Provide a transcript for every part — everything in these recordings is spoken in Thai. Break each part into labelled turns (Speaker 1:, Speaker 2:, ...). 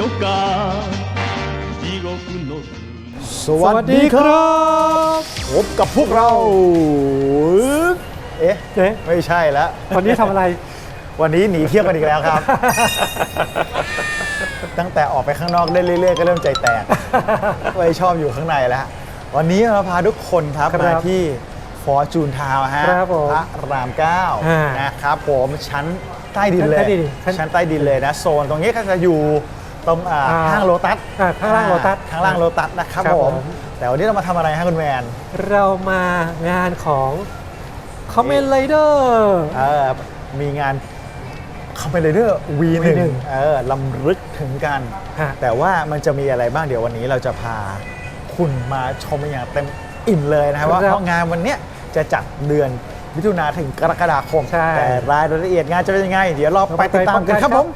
Speaker 1: か地獄の
Speaker 2: สวัสดีครับพบกับพวกเราเอ๊ะไม่ใช่แล้ว
Speaker 3: วันนี้ทำอะไร
Speaker 2: วันนี้หนีเที่ยวกันอีกแล้วครับ ตั้งแต่ออกไปข้างนอกได้เรื่อยๆก็เริ่มใจแตกไม่ชอบอยู่ข้างในแล้ววันนี้เราพาทุกคนครับมาที่ฟอร์จูนทาวน์ฮะพระราม9นะครับผมชั้นใต้ดินเลยชั้นใต้ดินเลยนะโซนตรงนี้ก็จะอยู่ตรงห้างโลตัส
Speaker 3: ข้างล่างโลตัส
Speaker 2: ข้างล่างโลตัสนะครับผมแต่วันนี้เรามาทำอะไรฮะคุณแมน
Speaker 3: เรามางานของ Kamen Rider
Speaker 2: มีงาน Kamen Rider V1 ลำลึกถึงกันแต่ว่ามันจะมีอะไรบ้างเดี๋ยววันนี้เราจะพาคุณมาชมอย่างเต็มอิ่มเลยนะครับว่าเพราะงานวันนี้จะจัดเดือนมิถุนายนถึงกรกฎาคมแต่รายละเอียดงานจะเป็นยังไงเดี๋ยวเราไปติดตามกันครับผม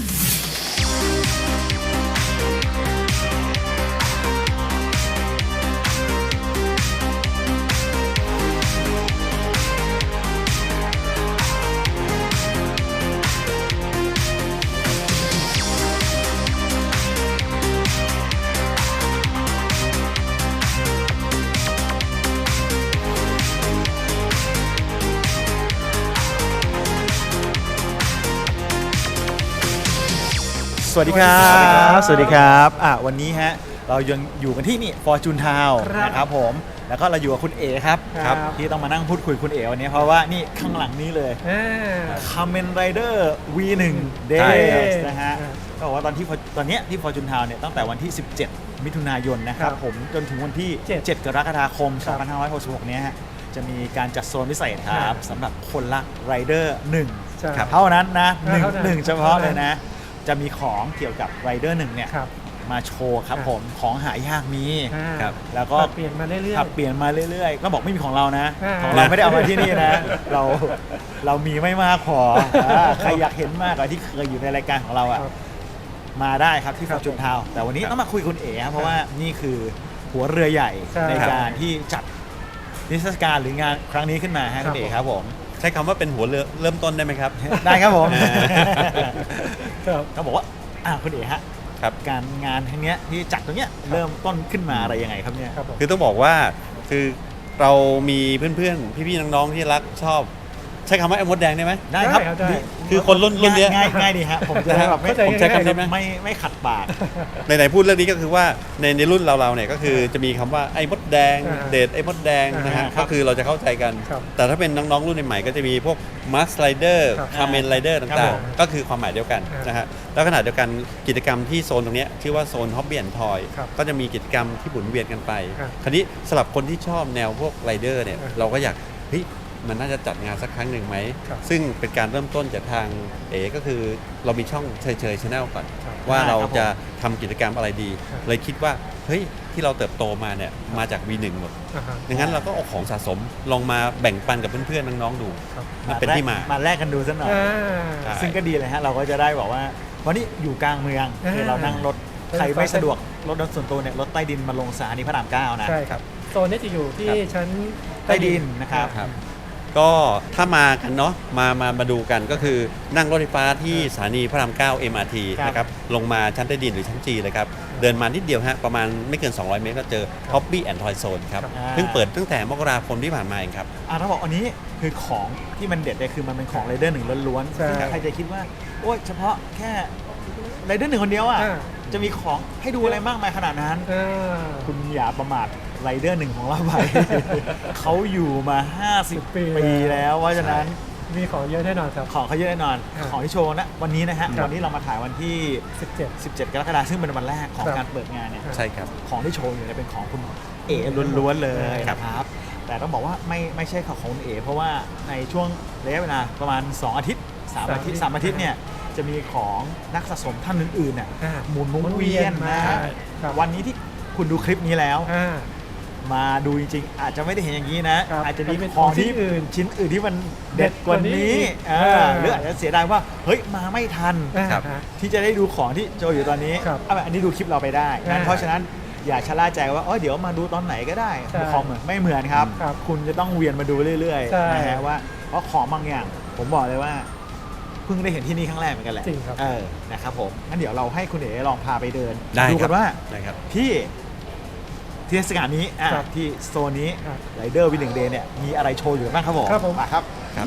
Speaker 2: สวัสดีครับสวัสดีครับวันนี้ฮะเรายังอยู่กันที่นี่ฟอร์จูนทาวน์นะครับผมแล้วก็เราอยู่กับคุณเอ๋ครับที่ต้องมานั่งพูดคุยคุณเอ๋วันนี้เพราะว่านี่ข้างหลังนี้เลย Kamen Rider V1 Days นะฮะก็บอกว่าตอนนี้ที่ฟอร์จูนทาวน์เนี่ยตั้งแต่วันที่ 17 มิถุนายนนะครับผมจนถึงวันที่ 7 กรกฎาคม 2566 นี้ฮะจะมีการจัดโซนพิเศษครับสำหรับคนรัก Rider 1เท่านั้นนะ1เฉพาะเลยนะจะมีของเกี่ยวกับ Rider 1เนี่ยมาโชว์ครับผมของหายากมีครับแล้วก็
Speaker 3: เปลี่ยนมาเรื่
Speaker 2: อยๆก็บอกไม่มีของเรานะของเราไม่ได้เอามาที่นี่นะเรามีไม่มากพอใครอยากเห็นมากกว่าที่เคยอยู่ในรายการของเรามาได้ครับที่ฟอร์จูนทาวน์แต่วันนี้ต้องมาคุยคุณเอ๋เพราะว่านี่คือหัวเรือใหญ่ในการที่จัดนิทรรศการหรืองานครั้งนี้ขึ้นมาคุณเอ๋ครับผม
Speaker 4: ใช้คำว่าเป็นหัวเรือเริ่มต้นได้ไหมครับ
Speaker 2: ได้ครับผมเขาบอกว่าคุณเอ๋ฮะการงานครั้งนี้ที่จัดตรงเนี้ยเริ่มต้นขึ้นมาอะไรยังไงครับเนี่ย
Speaker 4: คือต้องบอกว่าคือเรามีเพื่อนๆพี่ๆน้องๆที่รักชอบใช้คำว่าไอ้มดแดงได้ไหม
Speaker 2: ได้ครับ
Speaker 4: คือคนรุ่นเนี้ย
Speaker 2: ง่ายดีฮะผมจะแบบ
Speaker 4: ผมใช้คำนี้
Speaker 2: ไม่ขัดปาก
Speaker 4: ไหนพูดเรื่องนี้ก็คือว่าในรุ่นเราเนี่ยก็คือจะมีคำว่าไอ้มดแดงเดทไอ้มดแดงนะฮะก็คือเราจะเข้าใจกันแต่ถ้าเป็นน้องๆรุ่นใหม่ก็จะมีพวกมาสไรเดอร์คาเมนไรเดอร์ต่างๆก็คือความหมายเดียวกันนะฮะแล้วขณะเดียวกันกิจกรรมที่โซนตรงนี้ชื่อว่าโซนฮ็อบบี้แอนด์ทอยก็จะมีกิจกรรมที่หมุนเวียนกันไปคราวนี้สำหรับคนที่ชอบแนวพวกไรเดอร์เนี่ยเราก็อยากมันน่าจะจัดงานสักครั้งหนึ่งไหมซึ่งเป็นการเริ่มต้นจากทางก็คือเรามีช่องเฉยๆ Channel ก่อนว่าเราจะทำกิจกรรมอะไรดีเลยคิดว่าที่เราเติบโตมาเนี่ยมาจาก V1 หมดดังนั้นเราก็เอาของสะสมลองมาแบ่งปันกับเพื่อนๆน้องๆดูมันเป็นที่มา
Speaker 2: แลกกันดูสักหน่อยซึ่งก็ดีเลยฮะเราก็จะได้บอกว่าวันนี้อยู่กลางเมืองคือเรานั่งรถใครไม่สะดวกรถส่วนตัวเนี่ยรถใต้ดินมาลงสถานีพระราม9นะ
Speaker 3: ใช่ครับโซนนี้จะอยู่ที่ชั้น
Speaker 2: ใต้ดินนะครับ
Speaker 4: ก็ถ้ามากันเนาะมาดูกันก็คือนั่งรถไฟฟ้าที่สถานีพระราม9 MRT นะครับลงมาชั้นใต้ดินหรือชั้น G เลยครับเดินมานิดเดียวฮะประมาณไม่เกิน200เมตรก็เจอ Hobby and Toy Zone ครับเพิ่งเปิดตั้งแต่มกราคมที่ผ่านมาเองครับ
Speaker 2: ถ้าบอกอันนี้คือของที่มันเด็ดเลยคือมันเป็นของ Rider 1ล้วนๆซึ่งใครจะคิดว่าโอ้ยเฉพาะแค่ Rider 1คนเดียวจะมีของให้ดูอะไรมากมายขนาดนั้นคุณอย่าประมาทRider 1ของเราไป เขาอยู่มา50 ปีแล้วเพราะฉะนั้น
Speaker 3: มีของเยอะแน่นอนครับ
Speaker 2: ของเขาเยอะแน่นอนของที่โชว์นะวันนี้นะฮะวันนี้เรามาถ่ายวันที่17กรกฎาคมซึ่งเป็นวันแรกของการเปิดงานเนี่ย
Speaker 4: ใช่ครับ
Speaker 2: ของที่โชว์อยู่เนี่ยเป็นของคุณเอ๋ล้วนๆเลยครับแต่ต้องบอกว่าไม่ใช่ของคุณเอ๋เพราะว่าในช่วงระยะเวลาประมาณ2อาทิตย์3อาทิตย์เนี่ยจะมีของนักสะสมท่านอื่นๆหมุนเวียนมาวันนี้ที่คุณดูคลิปนี้แล้วมาดูจริงๆอาจจะไม่ได้เห็นอย่างนี้นะอาจจะมีของที่ชิ้นอื่นที่มันเด็ดกว่านี้หรืออาจจะเสียดายว่ามาไม่ทันที่จะได้ดูของที่โจอยู่ตอนนี้อันนี้ดูคลิปเราไปได้นะเพราะฉะนั้นอย่าชะล่าใจว่าเดี๋ยวมาดูตอนไหนก็ได้ของเหมือนไม่เหมือนครับคุณจะต้องเวียนมาดูเรื่อยๆนะฮะว่าเพราะของบางอย่างผมบอกเลยว่าเพิ่งได้เห็นที่นี่ครั้งแรกเหมือนกันแหละ
Speaker 3: จริงครับ
Speaker 2: นะครับผมงั้นเดี๋ยวเราให้คุณเอ๋ลองพาไปเดิน
Speaker 4: ได้
Speaker 2: ดู
Speaker 4: ค
Speaker 2: กั
Speaker 4: รับ
Speaker 2: นว่า
Speaker 4: ได้ครับ
Speaker 2: ที่เทศกาลนี้
Speaker 3: ครับ
Speaker 2: ที่โซนนี้
Speaker 3: ครับ
Speaker 2: ไรเดอร์วินหนึ่งเดย์เนี่ยมีอะไรโชว์อยู่บ้างครับผม
Speaker 3: ครับผม
Speaker 2: มาครับ
Speaker 4: ครับ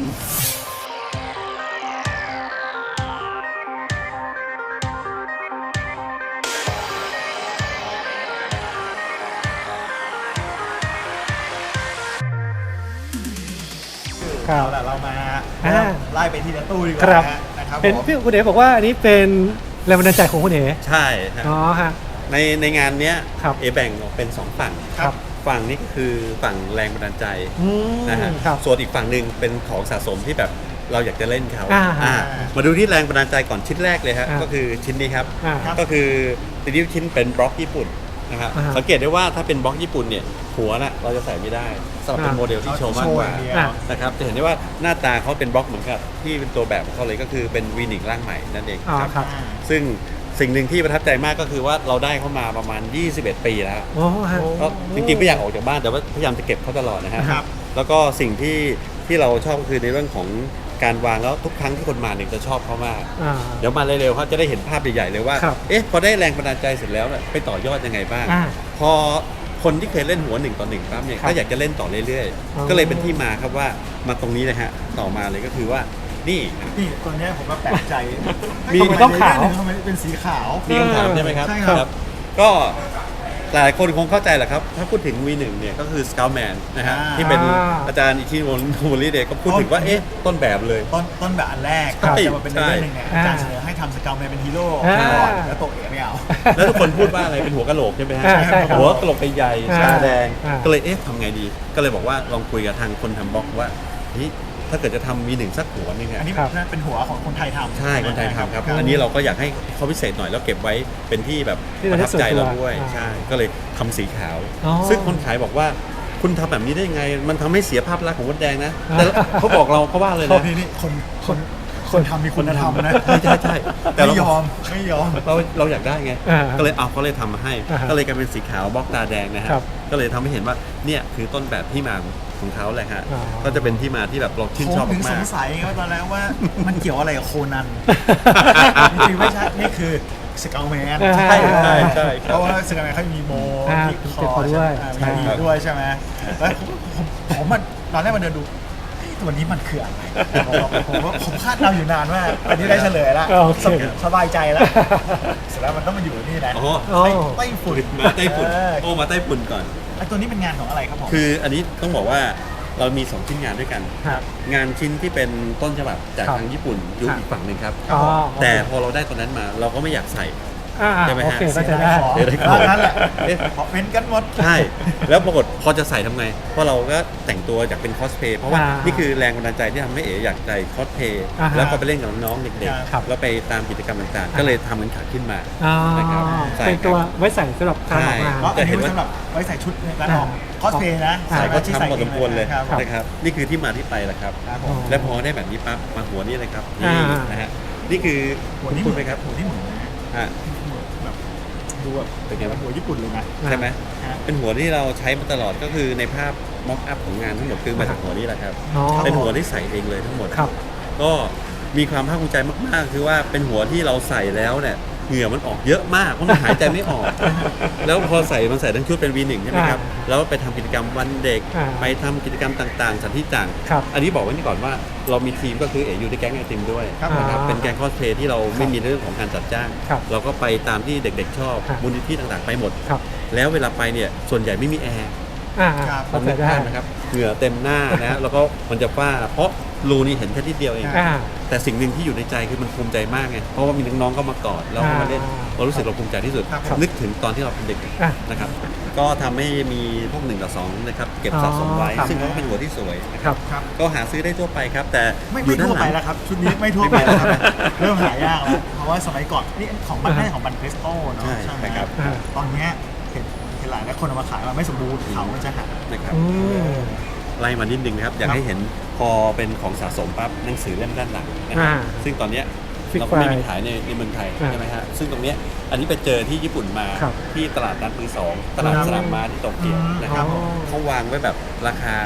Speaker 3: ครับ
Speaker 2: เอาล่ะเรามา
Speaker 3: อ่า
Speaker 2: ไล่ไปทีละตู้ดีก
Speaker 3: ครั
Speaker 2: ว่า
Speaker 3: บ
Speaker 2: นะครับ
Speaker 3: เป็น
Speaker 2: ผม
Speaker 3: พี่คุณเอ๋บอกว่าอันนี้เป็นแรงบันดาลใจของคุณเอ๋
Speaker 4: ใช่ฮะ
Speaker 3: อ๋อฮะ
Speaker 4: ในงานเนี้ย
Speaker 3: ครับ
Speaker 4: แบ่งออกเป็น 2 ฝั่ง
Speaker 3: ครับ
Speaker 4: ฝั่งนี้ก็คือฝั่งแรงบันดาลใจ
Speaker 3: อืม
Speaker 4: นะฮะ
Speaker 3: ครับ
Speaker 4: ส่วนอีกฝั่งหนึ่งเป็นของสะสมที่แบบเราอยากจะเล่นเขา
Speaker 3: อ่า
Speaker 4: มาดูที่แรงบันดาลใจก่อนชิ้นแรกเลยฮะ
Speaker 3: อ่า
Speaker 4: ก็คือชิ้นนี้ครับ
Speaker 3: อ่า
Speaker 4: ก็คือตัวนี้ชิ้นเป็นบล็อกญี่ปุ่นนะครับ
Speaker 3: อ่า
Speaker 4: สังเกตได้ว่าถ้าเป็นบล็อกญี่ปุ่นเนี่ยหัวน่ะเราจะใส่ไม่ได้สำหรับเป็น
Speaker 3: อ่า
Speaker 4: โมเดลที่โชว์มากกว่า
Speaker 2: โชว์อย่างเดียว
Speaker 3: อ่า
Speaker 4: นะครับจะเห็นได้ว่าหน้าตาเขาเป็นบล็อกเหมือนกับที่เป็นตัวแบบของเขาเลยก็คือเป็น V1 ร่างใหม่นั่นเอง
Speaker 3: อ๋อ
Speaker 4: ครับ
Speaker 3: ครับ
Speaker 4: ซึ่งสิ่งหนึ่งที่ประทับใจมากก็คือว่าเราได้เข้ามาประมาณ 21 ปีแล้ว
Speaker 3: อ๋อฮะ
Speaker 4: ก็จริงๆไม่อยากออกจากบ้านแต่ว่าพยายามจะเก็บเขาตลอดนะฮะ
Speaker 2: ครับ
Speaker 4: แล้วก็สิ่งที่เราชอบก็คือในเรื่องของการวางแล้วทุกครั้งที่คนมาเนี่ยจะชอบเขามาก
Speaker 3: อ่า
Speaker 4: เดี๋ยวมาเร็วๆเขาจะได้เห็นภาพใหญ่ๆเลยว่า
Speaker 3: ครับ
Speaker 4: เอ๊ะพอได้แรงบันดาลใจเสร็จแล้วเนี่ยไปต่อยอดยังไงบ้าง
Speaker 3: อ่า
Speaker 4: พอคนที่เคยเล่นหัว1 ต่อ 1ปั๊บเนี่ย
Speaker 3: ครับ
Speaker 4: ก็อยากจะเล่นต่อเรื่อย
Speaker 3: อ๋อ
Speaker 4: ๆ ก็เลยเป็นที่มาครับว่ามาตรงนี้นะฮะต่อมาเลยก็คือว่านี่
Speaker 2: นี่ตัวเนี้ยผมก็แปลกใจ
Speaker 4: มี
Speaker 2: ทำไ
Speaker 3: ต้องขาว
Speaker 2: ทำไมเป็นสีขาว
Speaker 4: มีคำถามใช่ไหมครับ
Speaker 2: ใช่ครับ
Speaker 4: ก็หลายคนคงเข้าใจแหละครับ ถ้าพูดถึง V1 เนี่ยก็คือ Scoutman นะฮะ
Speaker 2: อ่า
Speaker 4: ที่เป็นอาจารย์อิชิโนโมริเดะก็พูดถึงว่า เอ๊ะ ต้นแบบเลย
Speaker 2: ต้นแบบอันแรก
Speaker 4: ใช่
Speaker 2: จะมาเป็นเรื่องหนึ่งเนี่ยอาจารย์
Speaker 3: อ่า
Speaker 2: เสนอให้ทำสเกลแมนเป็นฮีโร่
Speaker 3: อ่า
Speaker 2: ก่อนแล้วตัวเอ๋ไม่เอา
Speaker 4: แล้วทุกคนพูดว่าอะไรเป็นหัวกะโหลกใช่ไหมฮะ
Speaker 3: อ่าใช่ครับ
Speaker 4: หัวกะโหลกใหญ่ๆ
Speaker 3: อ่า
Speaker 4: ตาแดง
Speaker 3: อ่า
Speaker 4: ก็เลยเอ๊ะทำไงดี ก็เลยบอกว่าลองคุยกับทางคนทำบล็อกว่าเฮ้ยถ้าเกิดจะทำV1สักหัวนึง
Speaker 2: อัน
Speaker 4: อะ
Speaker 2: นี้
Speaker 3: ครับ
Speaker 2: เป็นหัวของคนไทยทำ
Speaker 4: ใช่คนไทยทำครับ อันนี้เราก็อยากให้เขาพิเศษหน่อยแล้วเก็บไว้เป็นที่แบบ
Speaker 3: ที่
Speaker 4: ประ
Speaker 3: ระลึ
Speaker 4: ทั
Speaker 3: ก
Speaker 4: บใจเรา
Speaker 3: ส่วนตัว
Speaker 4: ด้วย
Speaker 3: อ่า
Speaker 4: ใช่ ก็เลยทำสีขาว
Speaker 3: อ๋อ
Speaker 4: ซึ่งคนขายบอกว่าคุณทำแบบนี้ได้ไง มันทำให้เสียภาพลักษณ์ของมดแดงนะ แต่เขาบอกเราเขาว่าเลย
Speaker 2: เขา
Speaker 4: นะ
Speaker 2: นี่คนทำมีคุณธรรมนะ
Speaker 4: ใช่แต่
Speaker 2: ไม่
Speaker 4: เรา
Speaker 2: ยอมไม่ยอม
Speaker 4: เราอยากได้ไง
Speaker 3: อ่า
Speaker 4: ก็เลยเอาเขาเลยทำมาให้
Speaker 3: อ่าฮะ
Speaker 4: ก็เลยกลายเป็นสีขาวบล็อกตาแดงนะฮะ
Speaker 3: ครับ
Speaker 4: ก็เลยทำให้เห็นว่าเนี่ยคือต้นแบบที่มาของเขาแหละฮะ
Speaker 3: อ๋อ
Speaker 4: ก็จะเป็นที่มาที่แบบเราชื่นชอบ
Speaker 2: ผมถึงส
Speaker 4: มาง ก
Speaker 2: สัยไงว่าตอนแรกว่ามันเกี่ยวอะไรกับโคนัน จริงๆไม่ใช่ นี่คือสเกลแมน
Speaker 3: ใช่
Speaker 4: ใช่
Speaker 2: เพราะว่าสเกลแมนเขามีโม
Speaker 3: อ่า
Speaker 2: ที่ค
Speaker 3: เจ็บ
Speaker 2: อ
Speaker 3: คอด้วย
Speaker 2: ใช่ไหม
Speaker 3: ใช่
Speaker 2: มีด้วยใช่ไหมแล้วผมมันตอนแรกมันเดินดูเฮ้ยตัวนี้มันคืออะไรผมคาดเดาอยู่นานมากอันนี้ได้เฉลยแล้ว
Speaker 3: โอเค
Speaker 2: สบายใจแล้ว เสร็จแล้วมันต้องมาอยู่นี่นะ
Speaker 4: อ๋อ
Speaker 3: อ๋อ
Speaker 2: ไต้ฝุ่น
Speaker 4: มาไต้ฝุ่นโอ้มาไต้ฝุ่นก่อน
Speaker 2: ไอ้ตัวนี้เป็นงานของอะไรครับผม
Speaker 4: คืออันนี้ต้องบอกว่าเรามี 2 ชิ้นงานด้วยกัน
Speaker 3: ครับ
Speaker 4: งานชิ้นที่เป็นต้นฉบับจาก
Speaker 3: ครับ
Speaker 4: ทางญี่ปุ่นอยู่
Speaker 3: ครับ
Speaker 4: อีกฝั่งหนึ่งครับ
Speaker 3: อ๋อ
Speaker 4: แต่พอเราได้ตัวนั้นมาเราก็ไม่อยากใส่
Speaker 3: อ่า
Speaker 4: ใช่ไหม
Speaker 3: โอ
Speaker 4: ฮะ
Speaker 3: เคก็จะได้
Speaker 2: ขอ
Speaker 4: เดี๋ยวได้ของ
Speaker 2: นั่นแหละ
Speaker 4: เอ๊ะ
Speaker 2: ขอเป็นกันหมด
Speaker 4: ใช่ แล้วปรากฏพอจะใส่ทำไง เพราะเราก็แต่งตัวอยากเป็นคอสเพย์เพราะว่า
Speaker 3: อ่านี่
Speaker 4: นี่คือแรงบันดาลใจที่ทำให้เอ๋อยากใส่คอสเพย์
Speaker 3: อ่าฮะ
Speaker 4: แล้วก็ไปเล่นกับน้องๆเด็ก
Speaker 3: ครับ
Speaker 4: ๆแล้วไปตามกิจกรรมต่างๆ
Speaker 3: อ่า
Speaker 4: ก็เลยทำมันขาขึ้นมา
Speaker 3: อ๋อ
Speaker 4: นะครับใช่
Speaker 3: เป็นตัวไว้ใส่สำหรับการออกงาน
Speaker 2: แล้วอัน
Speaker 4: เห็
Speaker 2: นี้
Speaker 4: นว่า
Speaker 2: สำหรับไว้ใส่ชุดในร้านทองคอสเพย์นะ
Speaker 3: อ่า
Speaker 2: ใส่
Speaker 4: ก็
Speaker 2: ก็ที่
Speaker 4: ทำ
Speaker 2: ใส่
Speaker 4: พอสมควรเลย
Speaker 2: ครับ
Speaker 4: นะครับนี่คือที่มาที่ไปแหละครับ
Speaker 2: ครับผม
Speaker 4: และพอได้แบบนี้ปั๊บมาหัวนี่เลยครับ
Speaker 3: อ่า
Speaker 4: นี่นะฮะนี่คือ
Speaker 2: หัวนี่
Speaker 4: พูดไหมครับ
Speaker 2: หัวนี่เหมือนนะ
Speaker 4: อ่า
Speaker 2: แบบดูแบบ
Speaker 4: เป็นไงวะ
Speaker 2: หัวญี่ปุ่นเลยนะ
Speaker 4: ใช่ไหม
Speaker 2: ฮะ
Speaker 4: เป็นหัวที่เราใช้มาตลอดก็คือในภาพม็อกอัพของงานทั้งหมดคือมาจากหัวนี้แหละครับ
Speaker 3: อ๋อ
Speaker 4: เป็นหัวที่ใส่เองเลยทั้งหมด
Speaker 3: ครับ
Speaker 4: ก็มีความภาคภูมิใจมากๆ คือว่าเป็นหัวที่เราใส่แล้วเนี่ยเหงื่อมันออกเยอะมากเพราะมันหายใจไม่ออก แล้วพอใส่มันใส่ทั้งชุดเป็น V1 ใช่ไหมครับแล้วไปทำกิจกรรมวันเด็ก
Speaker 3: อ่า
Speaker 4: ไปทำกิจกรรมต่างๆสถานที่ต่าง
Speaker 3: ครับ
Speaker 4: อันนี้บอกไว้นี่ก่อนว่าเรามีทีมก็คือเอ๋อยู่ในแก๊งไอติมด้วย
Speaker 2: ครับ
Speaker 4: นะครับ
Speaker 3: อ่า
Speaker 4: เป็นแก๊งคอสเพลย์ที่เราไม่มีเรื่องของการจัดจ้าง
Speaker 3: ครับ
Speaker 4: เราก็ไปตามที่เด็กๆชอบ
Speaker 3: ครับ
Speaker 4: มูลนิธิต่างๆไปหมด
Speaker 3: ครับ
Speaker 4: แล้วเวลาไปเนี่ยส่วนใหญ่ไม่มีแอร์
Speaker 3: อ่า
Speaker 2: ครับ
Speaker 3: เข้าใจได้
Speaker 4: นะครับเหงื่อเต็มหน้านะ แล้วก็มันจะฝ้าเพราะรูนี่เห็นแค่นิดเดียวเอง
Speaker 3: อ่า
Speaker 4: แต่สิ่งหนึ่งที่อยู่ในใจคือมันภูมิใจมากไงเพราะว่ามีน้องๆก็มากอดแล้วก็มาเล่น
Speaker 3: อ่า
Speaker 4: เรารู้สึกเราภูมิใจที่สุด
Speaker 2: ครับ
Speaker 4: นึกถึงตอนที่เราเป็นเด็ก
Speaker 3: อ่ะ
Speaker 4: นะครับก็ทำให้มีพวก1 ต่อ 2นะครับเก็บสะสมไว้
Speaker 3: อ๋อครับ
Speaker 4: ซึ่งเขาก็เป็นหัวที่สวยนะค
Speaker 3: ครั
Speaker 4: รับบ
Speaker 2: ครับ
Speaker 4: ก็หาซื้อได้ทั่วไปครับ แต่
Speaker 2: ไม่
Speaker 4: อยู่ด้า
Speaker 2: ทั่วน
Speaker 4: ห
Speaker 2: ไป
Speaker 4: ลัง
Speaker 2: แล้วครับ ชุดนี้ไม่ทั่วไปแล้วครับเริ่มหายากแล้วเพราะว่าสมัยก่อนนี่ของบัน
Speaker 3: อ่า
Speaker 2: ไม่ของบันเพสโต้เนาะ
Speaker 4: ใช่
Speaker 2: ไหม
Speaker 4: ครับ
Speaker 3: อ่า
Speaker 2: ตอนเนี้ยเห็นหลายคนเอามาขายมาไม่สมบูรณ์เขามันจะหัก
Speaker 4: นะครับ
Speaker 3: อืม
Speaker 4: ไล่มานิดนึงนะครับอยากให้เห็นพอเป็นของสะสมปั๊บหนังสือเล่มด้านหลังนะครับ
Speaker 3: อ่า
Speaker 4: ซึ่งตอนเนี้ย
Speaker 3: Fix
Speaker 4: เราก็ไม่มี
Speaker 3: File
Speaker 4: ขายในเมืองไทย
Speaker 3: อ่า
Speaker 4: ใช่ไหมฮะซึ่งตรงเนี้ยอันนี้ไปเจอที่ญี่ปุ่นมา
Speaker 3: ครับ
Speaker 4: ที่ตลาดนัดมือสองตลาด
Speaker 2: ครับ
Speaker 4: สนามม้าที่โตเกียวนะครับ
Speaker 3: อ๋อ
Speaker 4: เขาวางไว้แบบราคา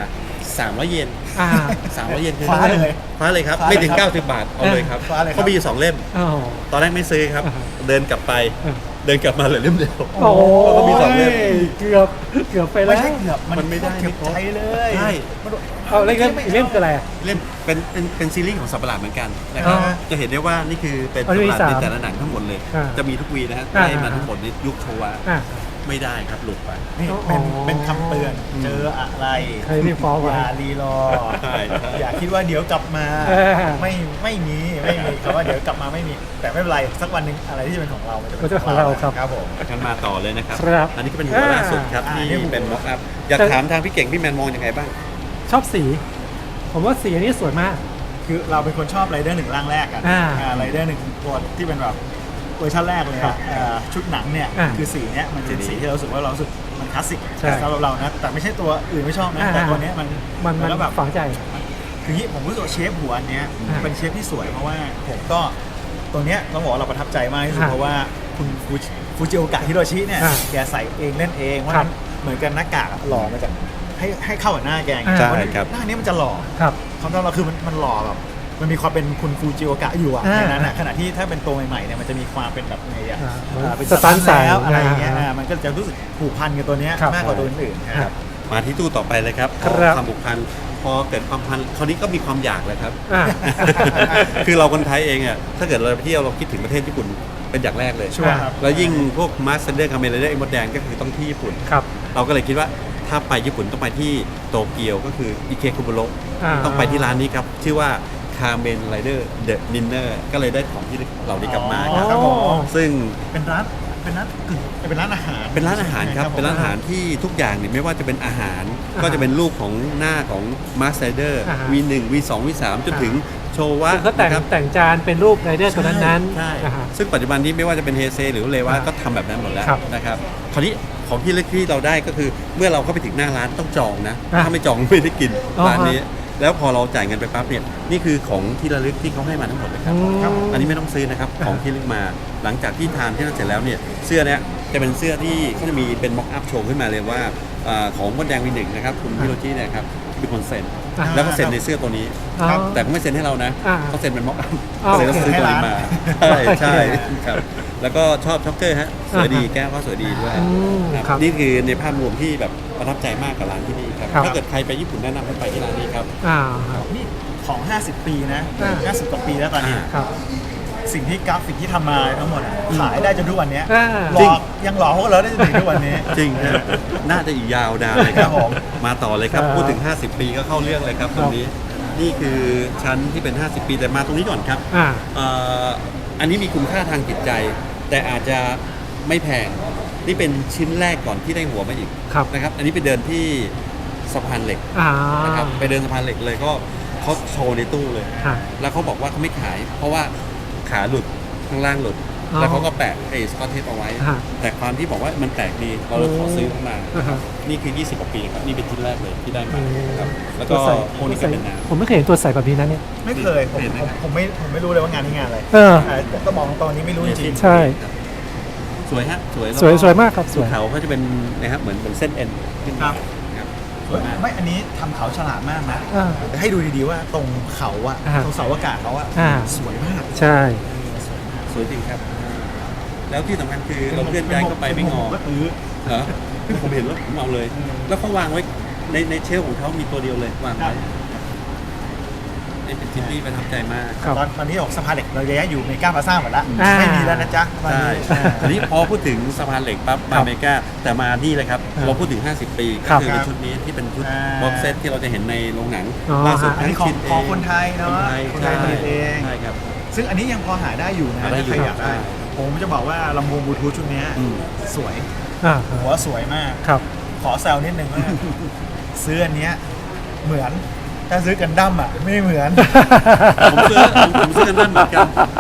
Speaker 4: 300 เยน
Speaker 3: อ่า
Speaker 4: 300 เยนคือ
Speaker 2: คว้าเลย
Speaker 4: คว้าเลยครับ
Speaker 2: คว้าเลย
Speaker 4: ไม่ถึง
Speaker 2: ครับ
Speaker 4: 90 บาทเอาเลยครับ
Speaker 2: คว้าเลยครับ
Speaker 4: เขามีอยู่2 เล่ม
Speaker 3: อ้าว
Speaker 4: ตอนแรกไม่ซื้อครับ
Speaker 3: อ่าฮะ
Speaker 4: เดินกลับไป
Speaker 3: อ่า
Speaker 4: เดินกลับมาเหลือเล่มเดียว
Speaker 3: โอ้
Speaker 4: แล้วก็มี2 เล่ม
Speaker 3: เกือบไปแล้
Speaker 2: ไม่
Speaker 3: ว
Speaker 2: ใช่เกือบมัน
Speaker 4: ไม่ได้
Speaker 2: เก็บใจเลย
Speaker 4: ใช่
Speaker 3: เอาเล่มคืออะไรอ่ะ
Speaker 4: เล่มเป็นซีรีส์ของสัตว์ประหลาดเหมือนกันนะค
Speaker 3: อ๋
Speaker 4: รับ
Speaker 3: อ
Speaker 4: จะเห็นได้ว่านี่คือเป็น
Speaker 3: อ๋
Speaker 4: สั
Speaker 3: อ
Speaker 4: ตว์ประหลาด
Speaker 3: มี
Speaker 4: ใน
Speaker 3: 3
Speaker 4: แต่ละหนังทั้งหมดเลย
Speaker 3: อ่า
Speaker 4: จะมีทุกวีนะฮะ
Speaker 3: อ่า
Speaker 4: ไล่มาทั้งหมดในยุคโชวะ
Speaker 3: อ่า
Speaker 4: ไม่ได้ครับหลุดไป
Speaker 2: นี่
Speaker 3: อ๋อ
Speaker 2: เป็นคำเตือนเจออะไร
Speaker 3: ใครรีบฟ้องไว้
Speaker 2: อย่ารีรอ
Speaker 4: ใช่ใช่
Speaker 2: อย่าคิดว่าเดี๋ยวกลับมา
Speaker 3: เออ
Speaker 2: ไม่มีคำว่าเดี๋ยวกลับมาไม่มี แต่ไม่เป็นไรสักวันหนึ่งอะไรที่เป็นของเรา มันจะ
Speaker 3: มันจะเป็นของเราครับ
Speaker 2: ครับผม
Speaker 4: กันมาต่อเลยนะครับ
Speaker 3: ครับ
Speaker 4: อันนี้ก็เป็นหัวล่าสุดครับ
Speaker 2: อ่า
Speaker 4: ที่
Speaker 2: นี่หัว
Speaker 4: เป็นม็อกอัพอยากถามทางพี่เก่งพี่แมนมองยังไงบ้าง
Speaker 3: ชอบสี ผมว่าสีอันนี้สวยมาก
Speaker 2: คือเราเป็นคนชอบไรเดอร์หนึ่งร่างแรกอะ
Speaker 3: อ่า
Speaker 2: ไรเดอร์หนึ่งตัวที่เป็นแบบเวอร์ชันแรกเลย
Speaker 3: ครั
Speaker 2: อะ
Speaker 3: บ
Speaker 2: ชุดหนังเนี่ย
Speaker 3: อ่า
Speaker 2: คือสีเนี้ยมันเป็นสีที่เรารู้สึกว่าเรารู้สึกมันคลาสสิก
Speaker 3: ใช่
Speaker 2: สำหรับเรานะแต่ไม่ใช่ตัวอื่นไม่ชอบนะ
Speaker 3: อ่า
Speaker 2: แต่ตัวเนี้ยมัน
Speaker 3: มัน
Speaker 2: ก็แบบ
Speaker 3: ฝังใจ
Speaker 2: คือที่ผมรู้สึกว่าเชฟหัวอันเนี้ย
Speaker 3: อ่า
Speaker 2: เป็นเชฟที่สวยเพราะว่าผมก็ตัวเนี้ยต้องบอกว่าเราประทับใจมากที่สุด
Speaker 3: อ่า
Speaker 2: เพราะว่าคุณฟูจิโอกะฮิโรชิเนี่ย
Speaker 3: อ่า
Speaker 2: แกใส่เองเล่นเองเพราะฉะนั้นเหมือนกันหน้ากากอะหล่อมาจากให้เข้ากับหน้าแกไง
Speaker 3: ใช่
Speaker 2: เพาะฉะนั้น
Speaker 4: ครับ
Speaker 2: หน้านี้มันจะหล่อ
Speaker 3: ครับ
Speaker 2: ความต้องเราคือมันหล่อแบบมันมีความเป็นคุณฟูจิโอกะอยู่อะ
Speaker 3: อ่า
Speaker 2: ในนั้นอะขณะที่ถ้าเป็นตัวใหม่ๆเนี่ยมันจะมีความเป็นแบบไงอะ
Speaker 3: อ่า
Speaker 2: เป็น
Speaker 3: สตันท์ใส่
Speaker 2: แล้วอะไรอย่างเงี้ย
Speaker 3: อ่า
Speaker 2: มันก็จะรู้สึกผูกพันกับตัวเนี้ย
Speaker 3: ครับ
Speaker 2: มากกว่าตัวอื่นๆนะครับ
Speaker 4: มาที่ตู้ต่อไปเลยครับ
Speaker 3: ครับ
Speaker 4: ความผูกพันพอเกิดความพันคราวนี้ก็มีความอยากเลยครับ
Speaker 3: อ่า
Speaker 4: คือเราคนไทยเองอ่ะถ้าเกิดเราไปเที่ยวเราคิดถึงประเทศญี่ปุ่นเป็นอย่างแรกเลย
Speaker 2: ชัวร์ครับ
Speaker 4: แล้วยิ่งพวกมาสเตอร์คาเมเลเดอร์ไอมดแดงก็คือต้องที่ญี่ปุ่น
Speaker 3: ครับ
Speaker 4: เราก็เลยคิดว่าถ้าไปญี่ปุ่นต้องไปที่โตเกียวก็คืออิเคคุบุโระ
Speaker 3: อ่า
Speaker 4: ต้องไปที่ร้านนี้ครับ ชื่อว่าคาเมนไรเดอร์เดอะดินเนอร์ก็เลยได้ของที่เหล่านี้กลับมา
Speaker 2: อ๋อ
Speaker 4: ครับ
Speaker 2: ผม
Speaker 4: ซึ่ง
Speaker 2: เป็นร้านกึ่งเป็นร้านอาหาร
Speaker 4: เป็นร้านอาหารครับ
Speaker 2: ผม
Speaker 4: เป็นร้านอาหารที่ทุกอย่างเนี่ยไม่ว่าจะเป็นอาหาร ก็จะเป็นรูปของหน้าของมาสเตอร์
Speaker 3: อ่าฮะ
Speaker 4: V1 V2 V3 จนถึงโชวะ
Speaker 3: คือเขาแต่ง
Speaker 4: นะครับ
Speaker 3: แต่งจานเป็นรูปไรเดอร์ตัวนั้น
Speaker 4: ใช่
Speaker 3: อ่าฮะ
Speaker 4: ซึ่งปัจจุบันนี้ไม่ว่าจะเป็นเฮเซหรือเลวะ
Speaker 3: อ่า
Speaker 4: ก็ทำแบบนั้นหมดแล้ว
Speaker 3: ครับ
Speaker 4: นะครับคราวนี้ของที่เล็กที่เราได้ก็คือเมื่อเราเข้าไปถึงหน้าร้านต้องจองนะ
Speaker 3: อ่า
Speaker 4: ถ้าไม่จองไม่ได้กิน
Speaker 3: อ๋อ
Speaker 4: ร้านนี้ แล้วพอเราจ่ายเงินไปปั๊บเนี่ยนี่คือของที่ระลึกที่เขาให้มาทั้งหมดเลยครับ
Speaker 3: อืม
Speaker 4: อันนี้ไม่ต้องซื้อนะครับของที่ระลึกมา หลังจากที่ทานที่นั่นเสร็จแล้วเนี่ยเสื้อเนี้ยจะเป็นเสื้อที่เขาจะมีเป็นม็อกอัพโชว์ขึ้นมาเลยว่าของมดแดงวีหนึ่งนะครับคุณฮิโรจิเนี่ยครับเป็นคนเซ็น
Speaker 3: อ่า
Speaker 4: แล้วก็เซ็นในเสื้อตัวนี้
Speaker 3: อ๋อ
Speaker 2: ครับ
Speaker 4: แต่เขาไม่เซ็นให้เรานะ
Speaker 3: อ่า
Speaker 4: เขาเซ็นเป็นม็อกอัพ
Speaker 3: อ๋อ
Speaker 4: เลยต้องซื้อตัวนี้มา ใช่ใช่
Speaker 3: โอเค
Speaker 4: ครับแล้วก็ชอบช็อกเกอร์ฮะสวยดี
Speaker 3: อ่าฮะ
Speaker 4: แก้วก็สวยดีด้วย
Speaker 3: อืม
Speaker 4: ครับ
Speaker 3: ครับ
Speaker 4: นี่คือในภาพรวมที่แบบประทับใจมากกับร้านที่นี่ครับ
Speaker 3: ครับ
Speaker 4: ถ้าเกิดใครไปญี่ปุ่นแนะนำให้ไปที่ร้านนี้ครับ
Speaker 3: อ่าครับ
Speaker 2: นี่ของ 50 ปีนะ
Speaker 3: อ่า
Speaker 2: 50 กว่าปีแล้วตอนนี้
Speaker 3: ครับ
Speaker 2: สิ่งที่กราฟิกที่ทำมาทั้งหมดอะขายได้จนทุกวันเนี้ย
Speaker 3: อ่า
Speaker 2: หลอกยังหลอกพวกเราได้จนถึงทุกวันนี้
Speaker 4: จริงนะน่าจะอีกยาวนานเลยครับ
Speaker 2: ครับผม
Speaker 4: มาต่อเลยครับ
Speaker 3: ครับ
Speaker 4: พูดถึง 50 ปีก็เข้าเรื่องเลยครับตรงนี้ นี่คือชั้นที่เป็น 50 ปีแต่มาตรงนี้ก่อนครับ
Speaker 3: อ่า
Speaker 4: อันนี้มีคุณค่าทางจิตใจ แต่อาจจะไม่แพง นี่เป็นชิ้นแรกก่อนที่ได้หัวมาอีก
Speaker 3: ครับ
Speaker 4: นะครับ อันนี้ไปเดินที่สะพานเหล็ก
Speaker 3: อ่า
Speaker 4: นะครับ ไปเดินสะพานเหล็กเลยก็เขาโชว์ในตู้เลย
Speaker 3: ฮะ
Speaker 4: แล้วเขาบอกว่าเขาไม่ขาย เพราะว่าขาหลุดข้างล่างหลุด
Speaker 3: อ๋อ
Speaker 4: แล้วเขาก็แปะไอ้สกอตเทปเอาไว้
Speaker 3: ฮะ
Speaker 4: แต่ความที่บอกว่ามันแปลกดี เราเลยขอซื้อมา
Speaker 3: อ่าฮะ
Speaker 4: นี่คือ 20 กว่าปีครับ นี่เป็นชิ้นแรกเลยที่ได้มา
Speaker 3: อืม
Speaker 4: ครับ แล้ว
Speaker 3: ตั
Speaker 4: ก็
Speaker 3: วใส่
Speaker 4: พวกนี้ก็เป็นน้ำ
Speaker 3: ผมไม่เคยเห็นตัวใส่แบบนี้นะเนี่ย
Speaker 2: ไม่เคยผมไม่รู้เลยว่างานนี้งานอะไร
Speaker 3: เออ
Speaker 2: ต้องบอกตรงนี้ไม่รู้จริง
Speaker 3: ใช่
Speaker 4: สวยฮะ สวยแล้ว
Speaker 3: สวยมากครับสวย
Speaker 4: เขาก็จะเป็นนะครับเหมือนเส้นเอ็นขึ้นมาครับสวยมาก
Speaker 2: ไม่อันนี้ทำเขาฉลาดมากนะ
Speaker 3: อ่า
Speaker 2: ให้ดูดีๆว่าตรงเขาอะ
Speaker 3: อ่า
Speaker 2: ตรงเสาอากาศเขาอะ
Speaker 3: อ่า
Speaker 2: สวยมาก
Speaker 3: ใช่
Speaker 4: สวยจริงครับ แล้วที่สำคัญคือเราเคลื่อนย้ายเข้าไปไม่งอ
Speaker 2: ก็ตื้อ
Speaker 4: เหรอคือผมเห็นแล้วผมเอาเลย แล้วเขาวางไว้ในเชลฟ์ของเขามีตัวเดียวเลยวางไว้นี่เป็นชิ้นที่ประทับใจมาก
Speaker 3: ครับ
Speaker 2: ตอนนี้ออกสะพานเหล็กเราย้ายอยู่เมกาพลาซ่าหมดแล้ว
Speaker 3: อ่า
Speaker 2: ไม่มีแล้วนะจ๊ะตอน
Speaker 4: ใช่
Speaker 2: นี้
Speaker 4: ทีนี้พอพูดถึงสะพานเหล็กปั๊บ
Speaker 3: ครั
Speaker 4: มา
Speaker 3: บ
Speaker 4: อเมริกาแต่มานี่เลยครับ
Speaker 3: อ่า
Speaker 4: เราพูดถึง 50 ปี
Speaker 3: ครั
Speaker 4: ก็
Speaker 3: บ
Speaker 4: คือเป็นชุดนี้ที่เป็นชุดบ็อกเซตที่เราจะเห็นในโรงหนัง
Speaker 3: อ๋อ
Speaker 4: ล่าสุด
Speaker 2: อันนี้ของ
Speaker 4: ชิ้
Speaker 2: ของคนไทยเนาะ
Speaker 4: คนไทย
Speaker 2: คนไทยผลิตเอง
Speaker 4: ใช่ครับ
Speaker 2: ซึ่งอันนี้ยังพอหาได้อยู่นะ
Speaker 4: หาได้อยู่
Speaker 2: ถ้าใครอยากได้
Speaker 4: ใช่
Speaker 2: ผมจะบอกว่าลำโพงบลูทูธชุดเนี้ย
Speaker 4: อืม
Speaker 2: สวย
Speaker 3: อ่า
Speaker 2: หัวสวยมาก
Speaker 3: ครับ
Speaker 2: ขอแซวนิดนึงว่า ซื้ออันเนี้ยเหมือนถ้าซื้อกันดั้มอ่ะไม่เหมือน
Speaker 4: ผมซื้อกันด้านเหมือนกัน